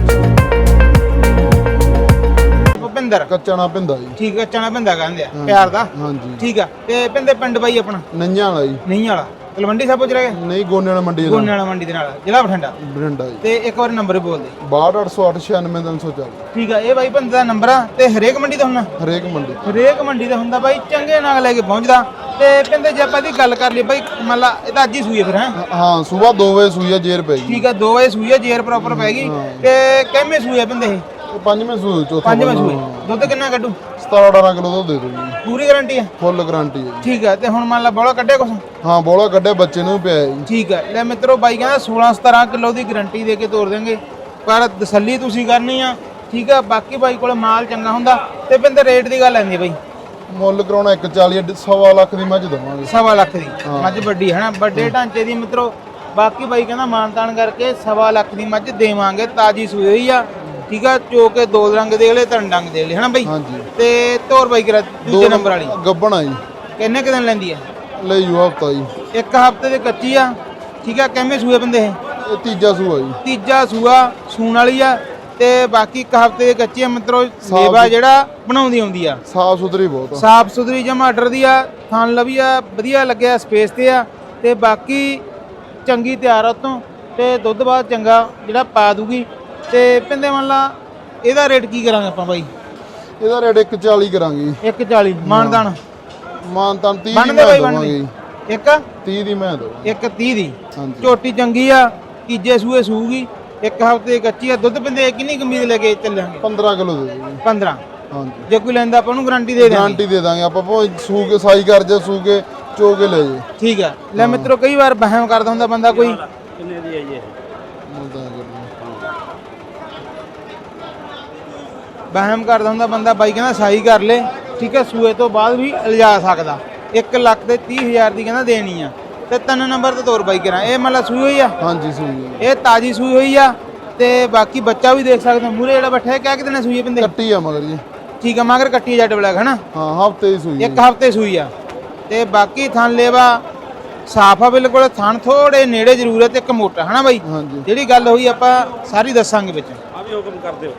[SPEAKER 1] ਭੁਪਿੰਦਰ
[SPEAKER 6] ਕੱਚਾ ਨਾ ਪਿੰਦਾ ਜੀ।
[SPEAKER 1] ਠੀਕ ਹੈ, ਚਣਾ ਪਿੰਦਾ ਕਹਿੰਦੇ ਆ ਪਿਆਰ ਦਾ।
[SPEAKER 6] ਹਾਂਜੀ।
[SPEAKER 1] ਠੀਕ ਆ। ਤੇ ਪਿੰਦੇ ਪਿੰਡ ਬਾਈ ਆਪਣਾ
[SPEAKER 6] ਨਈਆਂ ਵਾਲਾ ਜੀ।
[SPEAKER 1] ਨਹੀਂ ਵਾਲਾ ਤਲਵੰਡੀ ਸਾਹਿਬ ਪੁੱਜ ਰਹੇ
[SPEAKER 6] ਨਹੀਂ ਗੋਨੇ ਵਾਲਾ ਮੰਡੀ
[SPEAKER 1] ਗੋਨੇ ਵਾਲਾ ਮੰਡੀ ਦੇ ਨਾਲ ਜ਼ਿਲ੍ਹਾ ਬਠਿੰਡਾ।
[SPEAKER 6] ਬਰਿੰਡਾ ਜੀ।
[SPEAKER 1] ਤੇ ਇੱਕ ਵਾਰ ਨੰਬਰ ਬੋਲ ਦੇ।
[SPEAKER 6] 6280896340।
[SPEAKER 1] ਠੀਕ ਆ, ਇਹ ਬਾਈ ਪਿੰਡ ਦਾ ਨੰਬਰ ਆ ਤੇ ਹਰੇਕ ਮੰਡੀ ਦਾ ਹੁੰਦਾ।
[SPEAKER 6] ਹਰੇਕ ਮੰਡੀ।
[SPEAKER 1] ਹਰੇਕ ਮੰਡੀ ਦਾ ਹੁੰਦਾ ਬਾਈ, ਚੰਗੇ ਨਾਲ ਲੈ ਕੇ ਪਹੁੰਚਦਾ। ਤੇ ਪਿੰਦੇ ਜੇ ਆਪਾਂ ਦੀ ਗੱਲ ਕਰ ਲਈ ਬਾਈ, ਮੰਨ ਲਾ ਇਹ ਤਾਂ ਅੱਜ ਹੀ ਸੂਈ ਹੈ ਫਿਰ ਹੈ।
[SPEAKER 6] ਹਾਂ ਸਵੇਰ 2 ਵਜੇ ਸੂਈ ਆ, ਜੇਰ ਪੈ ਗਈ।
[SPEAKER 1] ਠੀਕ ਆ, 2 ਵਜੇ ਸੂਈ ਆ, ਜੇਰ ਪ੍ਰੋਪਰ ਪੈ ਗਈ। ਤੇ ਕਿੰਨੇ ਸੂਈ ਆ ਪਿੰਦੇ ਇਹ?
[SPEAKER 6] ਇਹ ਪੰਜਵੇਂ ਸੂਈ, ਚੌਥਾ
[SPEAKER 1] 5ਵੇਂ ਸੂਈ। ਦੁੱਧ ਕਿੰਨਾ ਕੱਢੂ?
[SPEAKER 6] 17-18 ਕਿਲੋ ਦੁੱਧ ਦੇ ਦੋ ਜੀ।
[SPEAKER 1] ਪੂਰੀ ਗਾਰੰਟੀ ਆ?
[SPEAKER 6] ਫੁੱਲ ਗਾਰੰਟੀ ਹੈ ਜੀ।
[SPEAKER 1] ਠੀਕ ਆ। ਤੇ ਹੁਣ ਮੰਨ ਲਾ ਬੋਲਾ ਕੱਢਿਆ ਕੁਛ?
[SPEAKER 6] ਹਾਂ ਬੋਲਾ ਕੱਢਿਆ, ਬੱਚੇ ਨੂੰ ਵੀ ਪਿਆ ਜੀ।
[SPEAKER 1] ਠੀਕ ਆ। ਲੈ ਮਿੱਤਰੋ, ਬਾਈ ਕਹਿੰਦਾ 16-17 ਕਿਲੋ ਦੀ ਗਾਰੰਟੀ ਦੇ ਕੇ ਤੋਰ ਦੇਂਗੇ, ਪਰ ਤਸੱਲੀ ਤੁਸੀਂ ਕਰਨੀ ਆ। ਠੀਕ ਆ। ਬਾਕੀ ਬਾਈ ਕੋਲ ਮਾਲ ਚੰਗਾ ਹੁੰਦਾ। ਤੇ ਪਿੰਦੇ ਰੇਟ ਦੀ ਗੱਲ ਆਂਦੀ ਬਾਈ,
[SPEAKER 6] ਮੁੱਲ ਕਰਾਉਣਾ 140, 1.25 ਲੱਖ ਦੀ ਮੱਝ ਦਵਾਂਗੇ।
[SPEAKER 1] 1.25 ਲੱਖ ਦੀ ਮੱਝ ਵੱਡੀ ਹੈ ਨਾ, ਵੱਡੇ ਢਾਂਚੇ ਦੀ ਮਿੱਤਰੋ। ਬਾਕੀ ਬਾਈ ਕਹਿੰਦਾ ਮਾਨਤਾਨ ਕਰਕੇ 1.25 ਲੱਖ ਦੀ ਮੱਝ ਦੇਵਾਂਗੇ, ਤਾਜੀ ਸੂਈ ਹੋਈ ਆ। ਠੀਕ ਆ। ਚੋ ਕੇ 2 ਰੰਗ ਦੇ ਲੈ, 3 ਡੰਗ ਦੇ ਲੈ, ਹਨਾ ਬਾਈ।
[SPEAKER 6] ਹਾਂਜੀ।
[SPEAKER 1] ਤੇ ਤੋਰ ਬਾਈ ਕਰਾ ਦੂਜੇ ਨੰਬਰ ਵਾਲੀ
[SPEAKER 6] ਗੱਬਣਾ ਜੀ।
[SPEAKER 1] ਕਿੰਨੇ ਕੁ ਦਿਨ ਲੈਂਦੀ ਆ?
[SPEAKER 6] ਲੈ ਜੂ ਹਫਤਾ ਜੀ।
[SPEAKER 1] 1 ਹਫ਼ਤੇ ਦੇ ਕੱਚੀ ਆ। ਠੀਕ ਆ। ਕਿੰਨੇ ਸੂਏ ਬੰਦੇ ਇਹ?
[SPEAKER 6] ਇਹ ਤੀਜਾ ਸੂਆ ਜੀ।
[SPEAKER 1] ਤੀਜਾ ਸੂਆ ਸੂਣ ਵਾਲੀ ਆ। ਤੇ ਬਾਕੀ 1 ਹਫ਼ਤੇ ਦੇ ਕੱਚੀ ਆ ਮਿੱਤਰੋ। ਸੇਵਾ ਜਿਹੜਾ ਬਣਾਉਂਦੀ ਆਉਂਦੀ ਆ,
[SPEAKER 6] ਸਾਫ ਸੁਥਰੀ ਬਹੁਤ ਆ।
[SPEAKER 1] ਸਾਫ ਸੁਥਰੀ ਜਮਾ ਆਰਡਰ ਦੀ ਆ। ਥਣ ਲਵੀਆ ਵਧੀਆ ਲੱਗਿਆ, ਸਪੇਸ ਤੇ ਆ। ਤੇ ਬਾਕੀ ਚੰਗੀ ਤਿਆਰ ਆ ਉਤੋਂ, ਤੇ ਦੁੱਧ ਬਾਅਦ ਚੰਗਾ ਜਿਹੜਾ ਪਾ ਦੂਗੀ। ਤੇ ਪਿੰਦੇ ਮੰਨ ਲਾ ਇਹਦਾ ਰੇਟ ਕੀ ਕਰਾਂਗੇ ਆਪਾਂ ਬਾਈ?
[SPEAKER 6] ਇਹਦਾ ਰੇਟ 140 ਕਰਾਂਗੇ।
[SPEAKER 1] 140 ਮਾਨਦਾਨ
[SPEAKER 6] ਮਾਨਤਾਨ 30 ਦੀ
[SPEAKER 1] ਬਣਦੇ
[SPEAKER 6] ਮੈਂ
[SPEAKER 1] ਬਾਈ
[SPEAKER 6] ਦਵਾਂਗੇ
[SPEAKER 1] ਬਣਦੇ।
[SPEAKER 6] ਜੀ। 30 ਦੀ ਮੈਂ ਦਵਾਂਗੇ।
[SPEAKER 1] 130 ਦੀ
[SPEAKER 6] ਹਾਂਜੀ।
[SPEAKER 1] ਝੋਟੀ ਚੰਗੀ ਆ, ਤੀਜੇ ਸੂਏ ਸੂਗੀ, 1 ਹਫ਼ਤੇ ਦੀ ਕੱਚੀ ਆ। ਦੁੱਧ ਪਿੰਦੇ ਕਿੰਨੀ ਕਮੀਜ਼ ਲੈ ਕੇ ਚੱਲਾਂਗੇ?
[SPEAKER 6] 15 ਕਿਲੋ ਦੇ ਦਿਓ ਜੀ।
[SPEAKER 1] 15।
[SPEAKER 6] ਹਾਂਜੀ।
[SPEAKER 1] ਜੇ ਕੋਈ ਲੈਂਦਾ ਆਪਾਂ ਨੂੰ ਗਾਰੰਟੀ ਦੇ ਦਾਂਗੇ।
[SPEAKER 6] ਗਾਰੰਟੀ ਦੇ ਦਾਂਗੇ ਆਪਾਂ, ਭਾਵੇਂ ਸੂ ਕੇ ਸਾਈ ਕਰ ਜਾ, ਸੂ ਕੇ ਚੋ ਕੇ ਲੈ ਜੇ।
[SPEAKER 1] ਠੀਕ ਆ। ਲੈ ਮਿੱਤਰੋ, ਕਈ ਵਾਰ ਵਹਿਮ ਕਰਦਾ ਹੁੰਦਾ ਬੰਦਾ ਕੋਈ,
[SPEAKER 7] कितने दी है ये?
[SPEAKER 1] ਵਹਿਮ ਕਰਦਾ ਹੁੰਦਾ ਬੰਦਾ। ਬਾਈ ਕਹਿੰਦਾ ਸਾਈ ਕਰ ਲੈ। ਠੀਕ ਆ। ਸੂਏ ਤੋਂ ਬਾਅਦ ਵੀ ਲਿਜਾ ਸਕਦਾ। 1,30,000 ਦੀ ਕਹਿੰਦਾ ਦੇਣੀ ਆ। ਤੇ 3 ਨੰਬਰ ਤੇ ਤੋਰ ਬਾਈ ਕਰਾਂ। ਇਹ ਮਤਲਬ ਸੂਈ ਹੋਈ ਆ?
[SPEAKER 6] ਹਾਂਜੀ ਸੂਈ ਹੈ।
[SPEAKER 1] ਇਹ ਤਾਜੀ ਸੂਈ ਹੋਈ ਆ। ਤੇ ਬਾਕੀ ਬੱਚਾ ਵੀ ਦੇਖ ਸਕਦੇ ਹੋ ਮੂਰੇ ਜਿਹੜਾ ਬੈਠਾ ਹੈ। ਕਿਆ ਕਿਤੇ ਸੂਈ ਪਿੰਦੇ?
[SPEAKER 6] ਕੱਟੀ ਆ ਮਗਰ ਜੀ।
[SPEAKER 1] ਠੀਕ ਆ। ਮਗਰ ਕੱਟੀ ਜੱਟ ਬਲੈਕ ਹਨਾ।
[SPEAKER 6] ਹਾਂ ਹਫਤੇ ਦੀ ਸੂਈ
[SPEAKER 1] 1 ਹਫ਼ਤੇ ਸੂਈ ਆ। ਤੇ ਬਾਕੀ ਥਣ ਲੇਵਾ ਸਾਫ ਆ ਬਿਲਕੁਲ। ਥਣ ਥੋੜੇ ਨੇੜੇ ਜ਼ਰੂਰਤ ਇੱਕ ਮੋਟਾ ਹਨਾ ਬਾਈ।
[SPEAKER 6] ਹਾਂਜੀ।
[SPEAKER 1] ਜਿਹੜੀ ਗੱਲ ਹੋਈ ਆਪਾਂ ਸਾਰੀ ਦੱਸਾਂਗੇ ਵਿੱਚ।
[SPEAKER 7] आप ही हुक्म कर दो।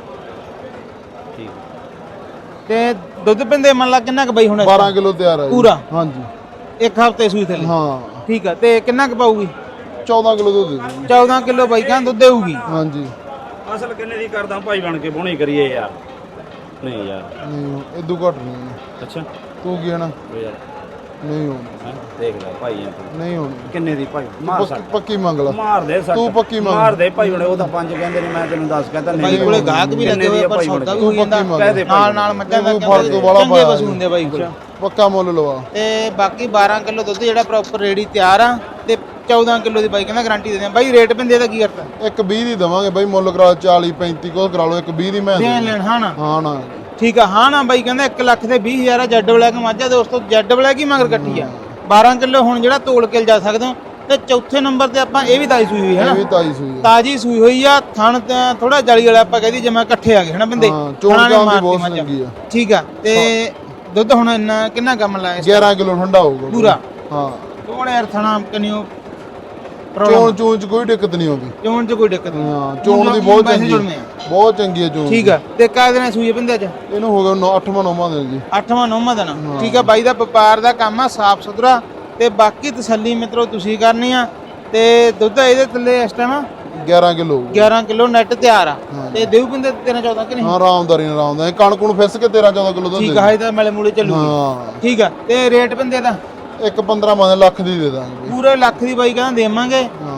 [SPEAKER 1] ਤੇ ਦੁੱਧ ਪਿੰਦੇ ਮੰਨ ਲਾ ਕਿੰਨਾ ਕੁ ਬਾਈ ਹੁਣ?
[SPEAKER 6] 12 ਕਿਲੋ ਤਿਆਰ ਆ ਜੀ।
[SPEAKER 1] ਪੂਰਾ?
[SPEAKER 6] ਹਾਂਜੀ।
[SPEAKER 1] 1 ਹਫ਼ਤੇ ਸੂਈ ਥੱਲੇ।
[SPEAKER 6] ਹਾਂ
[SPEAKER 1] ਠੀਕ ਆ। ਤੇ ਕਿੰਨਾ ਕੁ ਪਾਊਗੀ?
[SPEAKER 6] 14 ਕਿਲੋ ਦੁੱਧ ਦੇ ਦਿਓ।
[SPEAKER 1] 14 ਕਿਲੋ ਬਾਈ ਕਹਿੰਦਾ ਦੁੱਧ ਦੇਊਗੀ।
[SPEAKER 6] ਹਾਂਜੀ।
[SPEAKER 7] असल कितने दी करदा भाई बन के बोनी करिए यार। नहीं यार।
[SPEAKER 6] ਨਹੀਂ ਇਦੋਂ ਘੱਟ ਨਹੀਂ।
[SPEAKER 7] अच्छा
[SPEAKER 6] ਤੂੰ ਕੀ ਹੈ ਨਾ?
[SPEAKER 7] यार
[SPEAKER 6] ਨਹੀਂ ਹੋਣੀ।
[SPEAKER 7] देख ले भाई हैं तू।
[SPEAKER 6] ਨਹੀਂ ਹੋਣੀ।
[SPEAKER 7] किन्ने दी भाई मार
[SPEAKER 6] ਪੱਕੀ- ਪੱਕੀ ਮੰਗ ਲਾ।
[SPEAKER 7] ਮਾਰ ਦੇ ਸੱਟ।
[SPEAKER 6] ਤੂੰ ਪੱਕੀ ਮੰਗ।
[SPEAKER 7] ਮਾਰ ਦੇ ਭਾਈ ਹੁਣ ਉਹ ਤਾਂ 5 ਕਹਿੰਦੇ ਨੇ, ਮੈਂ ਤੈਨੂੰ 10 ਕਹਿੰਦਾ ਨਹੀਂ।
[SPEAKER 1] ਬਾਈ ਕੋਲੇ ਗਾਹਕ ਵੀ ਲੱਗੇ ਹੋਏ, ਪਰ ਸੌਦਾ ਵੀ ਹੋ ਜਾਂਦਾ ਨਾਲ ਨਾਲ ਮੱਝਾਂ ਦਾ।
[SPEAKER 6] ਤੂੰ ਫਰਕ ਤੋਂ ਵਾਲਾ
[SPEAKER 1] ਚੰਗੇ ਪਸ਼ੂ ਹੁੰਦੇ ਬਾਈ ਕੋਲ।
[SPEAKER 6] ਪੱਕਾ ਮੁੱਲ ਲਵਾ।
[SPEAKER 1] ਤੇ ਬਾਕੀ 12 ਕਿਲੋ ਦੁੱਧ ਜਿਹੜਾ ਪ੍ਰੋਪਰ ਰੇਡੀ ਤਿਆਰ ਆ। ਤੇ 14 ਕਿਲੋ ਦੀ ਬਾਈ ਕਹਿੰਦਾ ਗਾਰੰਟੀ ਦੇ ਦਿਆਂ। ਬਾਈ ਰੇਟ ਪਿੰਦੇ ਦਾ ਕੀ ਕਰਤਾ?
[SPEAKER 6] 120 ਦੀ ਦਵਾਂਗੇ ਬਾਈ। ਮੁੱਲ ਕਰਾ 40 35 ਕੋ ਕਰਾ ਲਓ। 120 ਦੀ ਮੈਂ
[SPEAKER 1] ਦੇਣ ਲੈਣ ਹਾਂ ਨਾ।
[SPEAKER 6] ਹਾਂ ਨਾ।
[SPEAKER 1] ਠੀਕ ਆ। ਹਾਂ ਨਾ ਬਾਈ ਕਹਿੰਦਾ 1,20,000 ਆ। ਜੱਡ ਬਲੈਕ ਮੱਝਾਂ ਦੋਸਤੋ, ਜੱਡ ਬਲੈਕ ਹੀ ਮਗਰ ਕੱਟੀ ਆ। 12 ਕਿਲੋ ਹੁਣ ਜਿਹੜਾ ਤੋਲ ਕੇ ਜਾ ਸਕਦੇ ਹੋ। ਤੇ ਚੌਥੇ ਨੰਬਰ ਤੇ ਆਪਾਂ ਇਹ ਵੀ ਤਾਜੀ ਸੂਈ ਹੋਈ ਹੈ
[SPEAKER 6] ਇਹ
[SPEAKER 1] ਨਾ।
[SPEAKER 6] ਵੀ ਤਾਜੀ ਸੂਈ ਹੈ।
[SPEAKER 1] ਤਾਜੀ ਸੂਈ ਹੋਈ ਆ। ਥਣ ਥੋੜਾ ਜਾਲੀ ਵਾਲਾ ਆਪਾਂ ਕਹਿੰਦੀ ਜਿਵੇਂ ਇਕੱਠੇ ਆ ਗਏ ਹਨਾ ਬੰਦੇ।
[SPEAKER 6] ਹਾਂ ਚੋਣ ਜਾਮ ਦੀ ਬਹੁਤ ਚੰਗੀ ਆ।
[SPEAKER 1] ਠੀਕ ਆ। ਤੇ ਦੁੱਧ ਹੁਣ ਇੰਨਾ ਕਿੰਨਾ ਕੰਮ ਲਾਇਆ?
[SPEAKER 6] 11 ਕਿਲੋ ਠੰਡਾ ਹੋਊਗਾ
[SPEAKER 1] ਪੂਰਾ?
[SPEAKER 6] ਹਾਂ।
[SPEAKER 1] ਥੋੜਾ ਯਾਰ ਥਣਾ ਕਨਿਓ
[SPEAKER 6] ਚੋਣ ਚ ਕੋਈ ਦਿੱਕਤ ਨਹੀਂ ਆਉਂਦੀ।
[SPEAKER 1] ਚੋਣ ਚ ਕੋਈ ਦਿੱਕਤ ਨਹੀਂ।
[SPEAKER 6] ਹਾਂ ਚੋਣ ਦੀ ਬਹੁਤ ਚੰਗੀ ਬਹੁਤ ਚੰਗੀ ਹੈ ਚੋਣ।
[SPEAKER 1] ਠੀਕ ਆ। ਤੇ ਕਾਹ ਦਿਨਾਂ ਸੂਈ ਬੰਦੇ ਅੱਜ?
[SPEAKER 6] ਇਹਨੂੰ ਹੋ ਗਿਆ 8ਵਾਂ 9ਵਾਂ ਦਿਨ ਜੀ।
[SPEAKER 1] 8ਵਾਂ 9ਵਾਂ ਦਿਨ। ਠੀਕ ਆ। ਬਾਈ ਦਾ ਵਪਾਰ ਦਾ ਕੰਮ ਆ, ਸਾਫ ਸੁਥਰਾ। ਤੇ ਬਾਕੀ ਤਸੱਲੀ ਮਿੱਤਰੋ ਤੁਸੀਂ ਕਰਨੀ ਆ। ਤੇ ਦੁੱਧ ਇਹਦੇ ਥੱਲੇ ਇਸ ਟਾਈਮ
[SPEAKER 6] 11 ਕਿਲੋ
[SPEAKER 1] 11 ਕਿਲੋ ਨੈਟ ਤਿਆਰ ਆ। ਤੇ ਦੇਉ ਬੰਦੇ 13-14 ਕਿ ਨਹੀਂ?
[SPEAKER 6] ਹਾਂ ਆਰਾਮਦਾਰੀ ਨਾਲ ਆਉਂਦਾ। ਕਣਕ ਨੂੰ ਫਿਸ ਕੇ 13-14 ਕਿਲੋ ਦੁੱਧ।
[SPEAKER 1] ਠੀਕ ਆ। ਇਹਦਾ ਮੈਲੇ ਮੂਲੇ ਚੱਲੂਗੀ।
[SPEAKER 6] ਹਾਂ
[SPEAKER 1] ਠੀਕ ਆ। ਤੇ ਰੇਟ ਬੰਦੇ ਦਾ
[SPEAKER 6] 1 15 ਲੱਖ ਦੀ ਦੇ ਦਾਂਗੇ।
[SPEAKER 1] ਪੂਰੇ ਲੱਖ ਦੀ ਬਾਈ ਕਹਿੰਦਾ ਦੇਵਾਂਗੇ।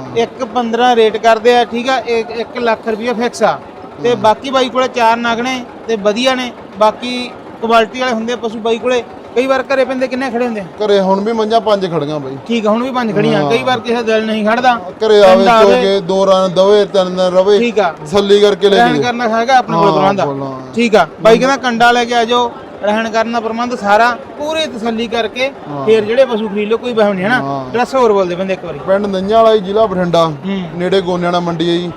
[SPEAKER 1] 1.15 ਰੇਟ ਕਰਦੇ ਆ, ਠੀਕ ਆ। 1 ਲੱਖ ਰੁਪਏ ਫਿਕਸ ਆ। ਤੇ ਬਾਕੀ ਬਾਈ ਕੋਲੇ 4 ਨਗ ਨੇ ਤੇ ਵਧੀਆ ਨੇ, ਬਾਕੀ ਕੁਆਲਿਟੀ ਵਾਲੇ ਹੁੰਦੇ ਆ ਪਸ਼ੂ ਬਾਈ ਕੋਲੇ। ਕਈ ਵਾਰ ਘਰੇ ਪੈਂਦੇ ਕਿੰਨੇ ਖੜੇ ਹੁੰਦੇ ਆ?
[SPEAKER 6] ਘਰੇ ਹੁਣ ਵੀ ਮੰਝਾਂ 5 ਖੜੀਆਂ ਬਾਈ।
[SPEAKER 1] ਠੀਕ ਆ, ਹੁਣ ਵੀ 5 ਖੜੀਆਂ। ਕਈ ਵਾਰ ਕਿਸੇ ਦਿਲ ਨਹੀਂ ਖੜਦਾ,
[SPEAKER 6] ਘਰੇ ਆਵੇ ਚੋਕੇ 2 ਰਨ ਦਵੇ 3 ਦਿਨ ਰਵੇ,
[SPEAKER 1] ਠੀਕ ਆ।
[SPEAKER 6] ਤਸੱਲੀ ਕਰਕੇ ਲੈ
[SPEAKER 1] ਰਹਿਣ
[SPEAKER 6] ਜੀ।
[SPEAKER 1] ਕਰਨਾ ਹੈਗਾ ਆਪਣੇ ਕੋਲ ਪ੍ਰਬੰਧ ਆ। ਠੀਕ ਆ ਬਾਈ ਕਹਿੰਦਾ ਕੰਡਾ ਲੈ ਕੇ ਆ ਜਾਓ, ਰਹਿਣ ਕਰਨ ਦਾ ਪ੍ਰਬੰਧ ਸਾਰਾ ਪੂਰੀ ਤਸੱਲੀ ਕਰਕੇ ਫੇਰ ਜਿਹੜੇ ਪਸ਼ੂ ਖਰੀਦ ਲਓ, ਕੋਈ ਬਹਿਮ ਨਹੀਂ ਹੈ ਨਾ। ਡਰੈਸ ਹੋਰ ਬੋਲਦੇ ਬੰਦੇ ਇੱਕ ਵਾਰੀ।
[SPEAKER 6] ਪਿੰਡ ਨੰਨਿਆਂ ਵਾਲਾ ਜੀ, ਜ਼ਿਲ੍ਹਾ ਬਠਿੰਡਾ, ਨੇੜੇ ਗੋਨਿਆਣਾ ਮੰਡੀ ਹੈ ਜੀ।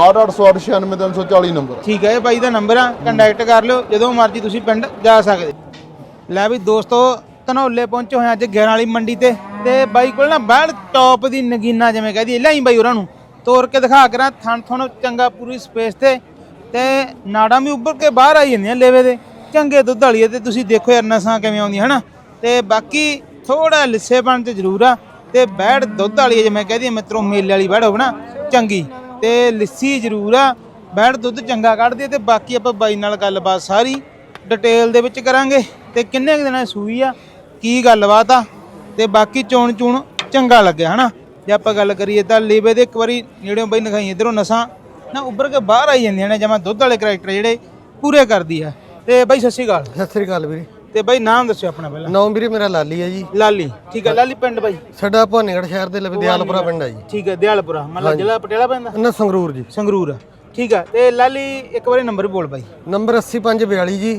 [SPEAKER 6] 6280896396 ਨੰਬਰ।
[SPEAKER 1] ਠੀਕ ਹੈ, ਇਹ ਬਾਈ ਦਾ ਨੰਬਰ ਆ, ਕੰਟੈਕਟ ਕਰ ਲਿਓ ਜਦੋਂ ਮਰਜ਼ੀ ਤੁਸੀਂ ਪਿੰਡ ਜਾ ਸਕਦੇ। ਲੈ ਵੀ ਦੋਸਤੋ, ਧਨੌਲੇ ਪਹੁੰਚੇ ਹੋਏ ਅੱਜ 11 ਵਾਲੀ ਮੰਡੀ ਤੇ ਬਾਈ ਕੋਲ ਨਾ ਬੈੜ ਟੌਪ ਦੀ ਨਗੀਨਾ ਜਿਵੇਂ ਕਹਦੀ ਲਿਆਈ ਬਾਈ ਉਹਨਾਂ ਨੂੰ ਤੋੜ ਕੇ ਦਿਖਾ ਕਰਾਂ। ਥਣ ਥਣ ਚੰਗਾ ਪੂਰੀ ਸਪੇਸ ਤੇ ਨਾੜਾਂ ਵੀ ਉੱਭਰ ਕੇ ਬਾਹਰ ਆਈ ਜਾਂਦੀਆਂ ਲੇਵੇ ਦੇ, ਚੰਗੇ ਦੁੱਧ ਵਾਲੀ ਤੇ ਤੁਸੀਂ ਦੇਖੋ ਯਾਰ ਨਸਾਂ ਕਿਵੇਂ ਆਉਂਦੀਆਂ ਹਨਾ। ਤੇ ਬਾਕੀ ਥੋੜਾ ਲਿੱਸੇਪਣ ਤੇ ਜ਼ਰੂਰ ਆ ਤੇ ਬੈੜ ਦੁੱਧ ਵਾਲੀ ਜਿਵੇਂ ਕਹਦੀ ਮਿੱਤਰੋ, ਮੇਲੇ ਵਾਲੀ ਬੈੜ ਹੋਵੇ ਨਾ ਚੰਗੀ ਤੇ ਲਿੱਸੀ ਜ਼ਰੂਰ ਆ, ਬੈੜ ਦੁੱਧ ਚੰਗਾ ਕੱਢਦੀ ਤੇ ਬਾਕੀ ਆਪਾਂ ਬਾਈ ਨਾਲ ਗੱਲਬਾਤ ਸਾਰੀ ਡਿਟੇਲ ਦੇ ਵਿੱਚ ਕਰਾਂਗੇ ਤੇ ਕਿੰਨੇ ਕੁ ਦਿਨਾਂ ਦੀ ਸੂਈ ਆ, ਕੀ ਗੱਲਬਾਤ ਆ ਤੇ ਬਾਕੀ ਚੋਣ ਚੰਗਾ ਲੱਗਿਆ ਹਨਾ। ਜੇ ਆਪਾਂ ਗੱਲ ਕਰੀਏ ਤਾਂ ਲੇਵੇ ਦੇ ਇੱਕ ਵਾਰੀ ਨੇੜਿਓਂ ਬਾਈ ਨਖਾਈ ਇਧਰੋਂ ਨਸਾਂ ਨਾ ਉੱਭਰ ਕੇ ਬਾਹਰ ਆਈ ਜਾਂਦੀਆਂ ਨੇ, ਜਮਾਂ ਦੁੱਧ ਵਾਲੇ ਕਰੈਕਟਰ ਜਿਹੜੇ ਪੂਰੇ ਕਰਦੀ ਆ। ਤੇ ਬਾਈ ਸਤਿ ਸ਼੍ਰੀ ਅਕਾਲ।
[SPEAKER 9] ਸਤਿ ਸ੍ਰੀ ਅਕਾਲ ਵੀਰੇ।
[SPEAKER 1] ਤੇ ਬਾਈ ਨਾਮ ਦੱਸਿਓ ਆਪਣਾ ਪਹਿਲਾਂ।
[SPEAKER 9] ਨਾਮ ਵੀਰੇ ਮੇਰਾ ਲਾਲੀ ਹੈ ਜੀ।
[SPEAKER 1] ਲਾਲੀ, ਠੀਕ ਹੈ। ਲਾਲੀ ਪਿੰਡ ਬਾਈ
[SPEAKER 9] ਸਾਡਾ ਭਾਨੀਗੜ੍ਹ ਸ਼ਹਿਰ ਦੇ ਲਵੇ ਦਿਆਲਪੁਰਾ ਪਿੰਡ ਹੈ ਜੀ।
[SPEAKER 1] ਠੀਕ ਹੈ, ਦਿਆਲਪੁਰਾ ਮਤਲਬ ਜ਼ਿਲ੍ਹਾ ਪਟਿਆਲਾ ਪੈਂਦਾ
[SPEAKER 9] ਨਾ ਸੰਗਰੂਰ ਜੀ।
[SPEAKER 1] ਸੰਗਰੂਰ, ਠੀਕ ਹੈ। ਤੇ ਲਾਲੀ ਇੱਕ ਵਾਰੀ ਨੰਬਰ ਬੋਲ ਬਾਈ।
[SPEAKER 9] ਨੰਬਰ 8542 ਜੀ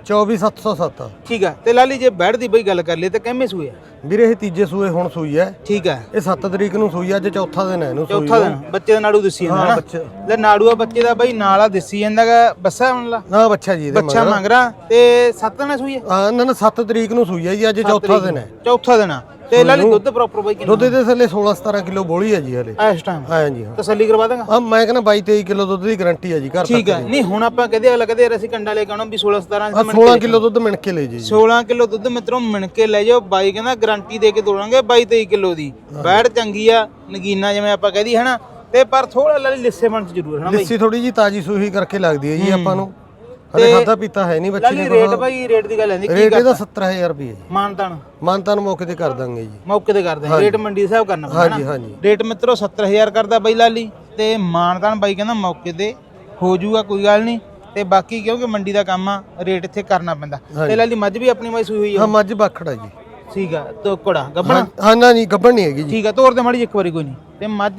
[SPEAKER 9] 24707।
[SPEAKER 1] ਠੀਕ ਹੈ। ਤੇ ਲਾਲੀ ਜੇ ਬੈਠ ਦੀ ਬਈ ਗੱਲ ਕਰ ਲਈ ਤਾਂ ਕਿੰਨੇ ਸੂਏ ਆ?
[SPEAKER 9] ਵੀਰੇ ਇਹ ਤੀਜੇ ਸੂਏ ਹੁਣ ਸੂਈ ਹੈ।
[SPEAKER 1] ਠੀਕ ਹੈ।
[SPEAKER 9] ਇਹ 7 ਤਰੀਕ ਨੂੰ ਸੂਈ, ਅੱਜ ਚੌਥਾ ਦਿਨ ਹੈ ਇਹਨੂੰ ਸੂਈ।
[SPEAKER 1] ਚੌਥਾ ਦਿਨ ਬੱਚੇ ਦਾ ਨਾੜੂ ਦਿਸੀ ਜਾਂਦਾ ਨਾ।
[SPEAKER 9] ਬੱਚਾ
[SPEAKER 1] ਲੈ ਨਾੜੂ ਆ ਬੱਚੇ ਦਾ ਬਈ ਨਾਲ ਆ ਦਿਸੀ ਜਾਂਦਾਗਾ, ਬੱਸਾ ਹੁਣ
[SPEAKER 9] ਨਾ ਬੱਚਾ ਜੀ ਇਹਦੇ
[SPEAKER 1] ਬੱਚਾ ਮੰਗ ਰਾ। ਤੇ 7 ਦਿਨ ਸੂਈ ਹੈ?
[SPEAKER 9] ਹਾਂ ਨਾ 7 ਤਰੀਕ ਨੂੰ ਸੂਈ ਹੈ ਜੀ, ਅੱਜ ਚੌਥਾ ਦਿਨ ਹੈ।
[SPEAKER 1] ਚੌਥਾ ਦਿਨ ਆ। ਤੇ ਲਾਲੀ ਦੁੱਧ ਪ੍ਰੋਪਰ ਬਈ ਕਿੰਨਾ?
[SPEAKER 9] ਦੁੱਧ ਦੇ ਥੱਲੇ 16-17 ਕਿਲੋ ਬੋਲੀ ਹੈ ਜੀ ਹਲੇ
[SPEAKER 1] ਇਸ ਟਾਈਮ।
[SPEAKER 9] ਹਾਂ ਜੀ ਹਾਂ।
[SPEAKER 1] ਤਸੱਲੀ ਕਰਵਾ ਦਾਂਗਾ।
[SPEAKER 9] ਹਾਂ ਮੈਂ ਕਹਿੰਦਾ 22-23 ਕਿਲੋ ਦੁੱਧ ਦੀ ਗਾਰੰਟੀ ਹੈ ਜੀ ਘਰ ਤੱਕ।
[SPEAKER 1] ਠੀਕ ਹੈ। ਨਹੀਂ ਹੁਣ ਆਪਾਂ ਕਹਦੇ ਅਗਲਾ ਕਹਦੇ ਯਾਰ ਅਸੀਂ ਕੰਡਾ ਲੈ ਕੇ ਆਉਣਾ ਵੀ 16-17
[SPEAKER 9] 16 ਕਿਲੋ ਦੁੱਧ ਮਿਣ ਕੇ ਲੈ ਜੀ।
[SPEAKER 1] 16 ਕਿਲੋ ਦੁੱਧ ਮਿੱਤਰੋਂ ਮਿਣ ਕੇ ਲੈ ਜਾਓ। ਬਾਈ ਕਹਿੰਦਾ ਗਾਰੰਟੀ ਦੇ ਕੇ ਤੋੜਾਂਗੇ 22-23 ਕਿਲੋ ਦੀ। ਬੈੜ ਚੰਗੀ ਆ, ਨਗੀਨਾ ਜਿਵੇਂ ਆਪਾਂ ਕਹਦੀ ਹੈ ਨਾ। ਤੇ ਪਰ ਥੋੜਾ ਲਾਲੀ ਲਿੱਸੇ ਬਣ ਚ ਜ਼ਰੂਰ ਹੈ ਨਾ ਬਾਈ।
[SPEAKER 9] ਲਿੱਸੀ ਥੋੜੀ ਜੀ ਤਾਜੀ ਸੂਹੀ ਕਰਕੇ ਲੱਗਦੀ ਹੈ ਜੀ ਆਪਾਂ ਨੂੰ। ਹਲੇ ਖਾਦਾ ਪੀਤਾ ਹੈ ਨਹੀਂ ਬੱਚੇ
[SPEAKER 1] ਲਾਲੀ ਰੇਟ ਬਾਈ, ਰੇਟ ਦੀ ਗੱਲ ਆਂਦੀ ਕੀ
[SPEAKER 9] ਰੇਟ ਇਹਦਾ 70000 ਰੁਪਏ ਜੀ।
[SPEAKER 1] ਮਾਨਤਾਨ
[SPEAKER 9] ਮੌਕੇ ਤੇ ਕਰ ਦਾਂਗੇ ਜੀ।
[SPEAKER 1] ਮੌਕੇ ਤੇ ਕਰਦੇ ਹਾਂ। ਰੇਟ ਮੰਡੀ ਹਿਸਾਬ ਕਰਨਾ ਪੈਂਦਾ।
[SPEAKER 9] ਹਾਂਜੀ ਹਾਂਜੀ।
[SPEAKER 1] ਰੇਟ ਮਿੱਤਰੋ 70000 ਕਰਦਾ ਬਾਈ ਲਾਲੀ ਤੇ ਮਾਨਤਾਨ ਬਾਈ ਕਹਿੰਦਾ ਮੌਕੇ ਤੇ ਹੋ ਜਾਊਗਾ, ਕੋਈ ਗੱਲ ਨਹੀਂ। ਤੇ ਬਾਕੀ ਕਿਉਂਕਿ ਮੰਡੀ ਦਾ ਕੰਮ ਆ, ਰੇਟ ਇੱਥੇ ਕਰਨਾ ਪੈਂਦਾ। ਤੇ ਲਾਲੀ ਮੱਝ ਵੀ ਆਪਣੀ ਬਾਈ ਸੂਈ ਹੋਈ
[SPEAKER 9] ਹਾਂ
[SPEAKER 1] ਆ?
[SPEAKER 9] ਮੱਝ ਬਾਖੜਾ ਜੀ।
[SPEAKER 1] ਠੀਕ ਆ। ਤੋਕੜਾ ਗੱਬਣਾ?
[SPEAKER 9] ਹਾਂ ਨਾ ਨਹੀਂ ਗੱਬਣ ਨਹੀਂ ਹੈਗੀ ਜੀ।
[SPEAKER 1] ਠੀਕ ਆ, ਤੋਰ ਦੇ ਮਾੜੀ ਇੱਕ ਵਾਰੀ ਕੋਈ ਨਹੀਂ। ਤੇ ਮੱਝ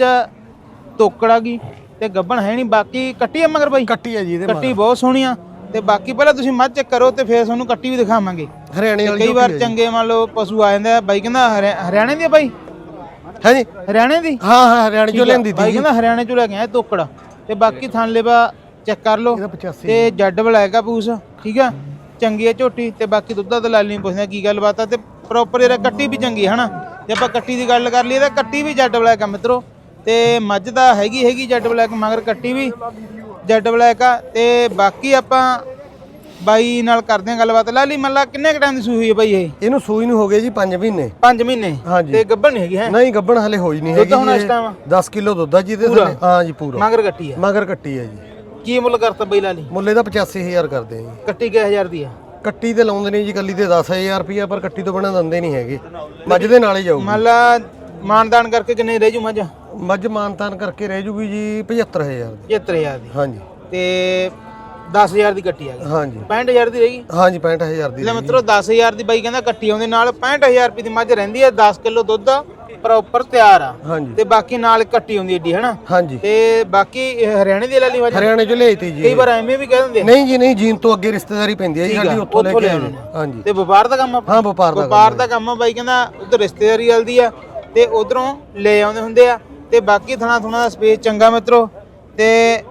[SPEAKER 1] ਤੋਕੜਾ ਗਈ ਤੇ ਗੱਬਣ ਹੈ ਨਹੀਂ। ਬਾਕੀ ਕੱਟੀ ਆ ਮਗਰ ਬਾਈ?
[SPEAKER 9] ਕੱਟੀ ਹੈ ਜੀ ਇਹਦੇ
[SPEAKER 1] ਕੱਟੀ ਬਹੁਤ ਸੋਹਣੀ ਆ। ਤੇ ਬਾਕੀ ਪਹਿਲਾਂ ਤੁਸੀਂ ਮੱਝ ਚੈੱਕ ਕਰੋ ਤੇ ਫਿਰ ਤੁਹਾਨੂੰ ਕੱਟੀ ਵੀ ਦਿਖਾਵਾਂਗੇ।
[SPEAKER 9] ਹਰਿਆਣੇ ਵਾਲੀ
[SPEAKER 1] ਕਈ ਵਾਰ ਚੰਗੇ ਮੰਨ ਲਓ ਪਸ਼ੂ ਆ ਜਾਂਦੇ ਆ। ਬਾਈ ਕਹਿੰਦਾ ਹਰਿਆਣੇ ਦੀ ਆ ਬਾਈ?
[SPEAKER 9] ਹੈ ਜੀ
[SPEAKER 1] ਹਰਿਆਣੇ ਦੀ?
[SPEAKER 9] ਹਾਂ ਹਾਂ ਹਰਿਆਣੇ ਚੋਂ ਲੈਂਦੀ
[SPEAKER 1] ਬਾਈ ਕਹਿੰਦਾ ਹਰਿਆਣੇ ਚੋਂ ਲੈ ਕੇ ਆਇਆ ਤੋਕੜਾ। ਤੇ ਬਾਕੀ ਥਣ ਲੇਵਾ ਚੈੱਕ ਕਰ ਲਓ ਤੇ ਜੱਡ ਬਲੈਕ ਆ ਪੂਸ, ਠੀਕ ਆ। ਚੰਗੀ ਆ ਝੋਟੀ ਤੇ ਬਾਕੀ ਦੁੱਧਾ ਤਾਂ ਲਾਲੀ ਨਹੀਂ ਪੁੱਛਦਾ ਕੀ ਗੱਲਬਾਤ ਆ। ਤੇ ਪ੍ਰੋਪਰ ਇਹਦਾ ਕੱਟੀ ਵੀ ਚੰਗੀ ਹੈ ਨਾ। ਜੇ ਆਪਾਂ ਕੱਟੀ ਦੀ ਗੱਲ ਕਰ ਲਈਏ ਤਾਂ ਕੱਟੀ ਵੀ ਜੱਡ ਬਲੈਕ ਆ ਮਿੱਤਰੋ। ਤੇ ਮੱਝ ਦਾ ਹੈਗੀ ਜੱਡ ਬਲੈਕ, ਮਗਰ ਕੱਟੀ ਵੀ ਜੱਡ ਬਲੈਕ ਆ। ਤੇ ਬਾਕੀ ਆਪਾਂ ਬਾਈ ਨਾਲ ਕਰਦੇ ਆ ਗੱਲਬਾਤ। ਲਾਲੀ ਮੱਲਾ ਕਿੰਨੇ ਕ ਟਾਈਮ ਦੀ ਸੂਈ ਹੋਈ ਹੈ ਬਾਈ ਇਹ?
[SPEAKER 9] ਇਹਨੂੰ ਸੂਈ ਨੂੰ ਹੋ ਗਏ ਜੀ 5 ਮਹੀਨੇ।
[SPEAKER 1] 5 ਮਹੀਨੇ? ਤੇ ਗੱਭਣ ਨਹੀਂ ਹੈਗੀ ਹੈ?
[SPEAKER 9] ਨਹੀਂ ਗੱਭਣ ਹਲੇ ਹੋਈ ਨਹੀਂ ਹੈਗੀ।
[SPEAKER 1] ਦੁੱਧ ਹੁਣ ਇਸ ਟਾਈਮ
[SPEAKER 9] 10 ਕਿਲੋ ਦੁੱਧ ਆ ਜੀ ਇਹਦੇ ਥੱਲੇ। ਹਾਂ ਜੀ ਪੂਰਾ।
[SPEAKER 1] ਮਗਰ ਕੱਟੀ ਆ?
[SPEAKER 9] ਮਗਰ ਕੱਟੀ ਹੈ ਜੀ।
[SPEAKER 1] ਕੀ ਮੁੱਲ ਕਰਤਾ ਬਾਈ ਲਾਲੀ?
[SPEAKER 9] ਮੁੱਲ ਇਹਦਾ 85000 ਕਰਦੇ ਆ ਜੀ।
[SPEAKER 1] ਕੱਟੀ ਕਿਹ ਹਜ਼ਾਰ ਦੀ ਆ?
[SPEAKER 9] ਕੱਟੀ ਤੇ ਲਾਉਂਦੇ ਨੇ ਜੀ ਕੱਲੀ ਤੇ 10000 ਰੁਪਇਆ, ਪਰ ਕੱਟੀ ਤੋਂ ਬਿਨਾਂ ਦਿੰਦੇ ਨਹੀਂ ਹੈਗੇ। ਮੱਝ ਦੇ ਨਾਲ ਹੀ ਜਾਊਗੀ।
[SPEAKER 1] ਮੱਲਾ ਮਾਨਦਾਨ ਕਰਕੇ ਕਿੰਨੇ ਰਹਿ ਜੂ ਮੱਝ?
[SPEAKER 9] ਮੱਝ ਮਾਨਤਾਨ ਕਰਕੇ ਰਹਿ ਜੂਗੀ ਜੀ 75000 ਦੀ।
[SPEAKER 1] 75000 ਦੀ?
[SPEAKER 9] ਹਾਂਜੀ।
[SPEAKER 1] ਤੇ 10000 ਦੀ ਕੱਟੀ ਆ ਗਈ?
[SPEAKER 9] ਹਾਂਜੀ।
[SPEAKER 1] 65000 ਦੀ ਰਹੇਗੀ?
[SPEAKER 9] ਹਾਂਜੀ 65000 ਦੀ।
[SPEAKER 1] ਲੈ ਮਿੱਤਰੋ 10000 ਦੀ ਬਾਈ ਕਹਿੰਦਾ ਕੱਟੀ ਆਉਂਦੇ ਨਾਲ 65000 ਰੁਪਏ ਦੀ ਮੱਝ ਰਹਿੰਦੀ ਹੈ। 10 ਕਿਲੋ ਦੁੱਧ ਪ੍ਰੋਪਰ ਤਿਆਰ ਆ।
[SPEAKER 9] ਹਾਂਜੀ।
[SPEAKER 1] ਤੇ ਬਾਕੀ ਨਾਲ ਕੱਟੀ ਆਉਂਦੀ ਏਡੀ ਹੈਨਾ।
[SPEAKER 9] ਹਾਂਜੀ।
[SPEAKER 1] ਤੇ ਬਾਕੀ ਇਹ ਹਰਿਆਣੇ ਦੀ ਲਾਲੀ ਮੱਝ?
[SPEAKER 9] ਹਰਿਆਣੇ ਚੋਂ ਲਿਆਈ ਤੀ ਜੀ।
[SPEAKER 1] ਕਈ ਵਾਰ ਐਵੇਂ ਵੀ ਕਹਿ ਦਿੰਦੇ ਆ।
[SPEAKER 9] ਨਹੀਂ ਜੀ ਨਹੀਂ, ਜੀਨ ਤੋਂ ਅੱਗੇ ਰਿਸ਼ਤੇਦਾਰੀ ਪੈਂਦੀ ਹੈ ਜੀ ਸਾਡੀ, ਉੱਥੋਂ ਲੈ ਕੇ ਆਏ। ਹਾਂਜੀ।
[SPEAKER 1] ਤੇ ਵਪਾਰ ਦਾ ਕੰਮ ਆ?
[SPEAKER 9] ਹਾਂ ਵਪਾਰ
[SPEAKER 1] ਦਾ ਕੰਮ ਆ। ਬਾਈ ਕਹਿੰਦਾ ਉਧਰ ਰਿਸ਼ਤੇਦਾਰੀ ਚੱਲਦੀ ਆ ਤੇ ਉਧਰੋਂ ਲੈ ਆਉਂਦੇ ਹੁੰਦੇ ਆ। ਤੇ ਬਾਕੀ ਥਣਾ ਦਾ ਸਪੇਸ ਚੰਗਾ ਮਿੱਤਰੋ। ਤੇ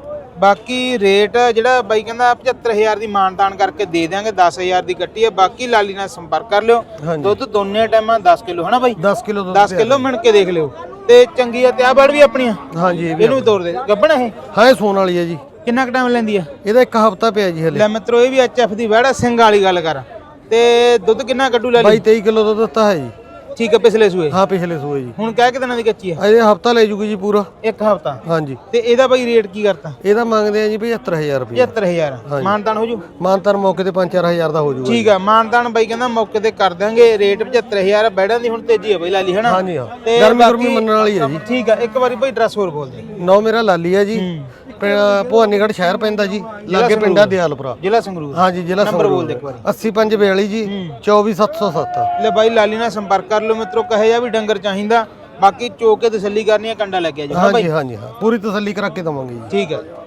[SPEAKER 1] ਬਾਕੀ ਰੇਟ ਜਿਹੜਾ ਬਾਈ ਕਹਿੰਦਾ 75000 ਦੀ ਮਾਨਤਾਨ ਕਰਕੇ ਦੇ ਦਿਆਂਗੇ। 10000 ਦੀ ਕੱਟੀ ਹੈ। ਬਾਕੀ ਲਾਲੀ ਨਾਲ ਸੰਪਰਕ ਕਰ ਲਿਓ। ਦੁੱਧ ਦੋਨੇ ਟਾਈਮਾਂ 10 ਕਿਲੋ ਹਨਾ ਬਾਈ?
[SPEAKER 9] 10 ਕਿਲੋ ਦੁੱਧ
[SPEAKER 1] 10 ਕਿਲੋ ਮਿਣ ਕੇ ਦੇਖ ਲਿਓ। ਤੇ ਚੰਗੀ ਆ ਤੇ ਆ ਬੜ ਵੀ ਆਪਣੀਆਂ?
[SPEAKER 9] ਹਾਂਜੀ
[SPEAKER 1] ਇਹਨੂੰ ਵੀ ਤੋੜ ਦੇ। ਗੱਬਣ ਇਹ?
[SPEAKER 9] ਹਾਂ ਇਹ ਸੋਨ ਵਾਲੀ ਹੈ ਜੀ।
[SPEAKER 1] ਕਿੰਨਾ ਕੁ ਟਾਈਮ ਲੈਂਦੀ ਆ?
[SPEAKER 9] ਇਹਦਾ 1 ਹਫ਼ਤਾ ਪਿਆ ਜੀ ਹਲੇ।
[SPEAKER 1] ਲੈ ਮਿੱਤਰੋ ਇਹ ਵੀ HF ਦੀ ਵੜਾ ਸਿੰਘ ਵਾਲੀ ਗੱਲ ਕਰ। ਤੇ ਦੁੱਧ ਕਿੰਨਾ ਕੱਢੂ ਲਾਲੀ?
[SPEAKER 9] 22-23 ਕਿਲੋ ਦੁੱਧ ਦਿੱਤਾ ਹੈ ਜੀ।
[SPEAKER 1] ਠੀਕ ਹੈ, ਪਿਛਲੇ ਸੂਏ
[SPEAKER 9] ਹਾਂ ਪਿਛਲੇ ਸੂਏ ਜੀ।
[SPEAKER 1] ਹੁਣ ਕਹਿ ਕਿ ਦਿਨਾਂ ਦੀ ਕੱਚੀ ਹੈ?
[SPEAKER 9] ਅਜੇ ਹਫਤਾ ਲੈ ਜੂਗੀ ਜੀ ਪੂਰਾ।
[SPEAKER 1] ਇੱਕ ਹਫਤਾ।
[SPEAKER 9] ਹਾਂਜੀ।
[SPEAKER 1] ਤੇ ਇਹਦਾ ਬਾਈ ਰੇਟ ਕੀ ਕਰਤਾ?
[SPEAKER 9] ਇਹਦਾ ਮੰਗਦੇ ਆ ਜੀ 75000 ਰੁਪਏ।
[SPEAKER 1] 75000 ਮਾਨਤਾਨ ਹੋ ਜੂ?
[SPEAKER 9] ਮਾਨਤਾਨ ਮੌਕੇ ਤੇ 5-4000 ਦਾ ਹੋ ਜੂਗਾ।
[SPEAKER 1] ਠੀਕ ਆ, ਮਾਨਤਾਨ ਬਾਈ ਕਹਿੰਦਾ ਮੌਕੇ ਤੇ ਕਰ ਦਿਆਂਗੇ। ਰੇਟ 75000 ਬੈੜਾਂ ਦੀ ਹੁਣ ਤੇਜ਼ੀ ਹੈ ਬਾਈ ਲਾਲੀ ਹਨਾ?
[SPEAKER 9] ਹਾਂਜੀ ਹਾਂ,
[SPEAKER 1] ਤੇ
[SPEAKER 9] ਗਰਮੀ ਗੁਰਮੀ ਮੰਨਣ ਵਾਲੀ ਹੈ ਜੀ।
[SPEAKER 1] ਠੀਕ ਆ, ਇੱਕ ਵਾਰੀ ਬਾਈ ਐਡਰੈਸ ਹੋਰ ਬੋਲ ਦੇ।
[SPEAKER 9] ਨੌ ਮੇਰਾ ਲਾਲੀ ਹੈ ਜੀ, ਭਵਾਨੀਗੜ੍ਹ ਸ਼ਹਿਰ ਪੈਂਦਾ ਜੀ, ਲਾਗੇ ਪਿੰਡਾ ਦਿਆਲਪੁਰਾ,
[SPEAKER 1] ਜ਼ਿਲ੍ਹਾ ਸੰਗਰੂਰ।
[SPEAKER 9] ਹਾਂਜੀ ਜ਼ਿਲ੍ਹਾ
[SPEAKER 1] ਨੰਬਰ ਬੋਲ
[SPEAKER 9] ਸੰਗਰੂਰ।
[SPEAKER 1] ਦੇ ਇੱਕ ਵਾਰੀ।
[SPEAKER 9] 8542 ਜੀ 24707।
[SPEAKER 1] ਲੈ ਬਾਈ ਲਾਲੀ ਨਾਲ ਸੰਪਰਕ ਕਰ ਲਓ ਮਿੱਤਰੋ, ਕਹੇ ਜਾ ਵੀ ਡੰਗਰ ਚਾਹੀਦਾ, ਬਾਕੀ ਚੋ ਕੇ ਤਸੱਲੀ ਕਰਨੀ ਹੈ, ਕੰਡਾ ਲੱਗਿਆ ਜੀ।
[SPEAKER 9] ਹਾਂਜੀ ਹਾਂਜੀ ਹਾਂ, ਪੂਰੀ ਤਸੱਲੀ ਕਰਾ ਕੇ ਦਵਾਂਗੇ ਜੀ।
[SPEAKER 1] ਠੀਕ ਹੈ।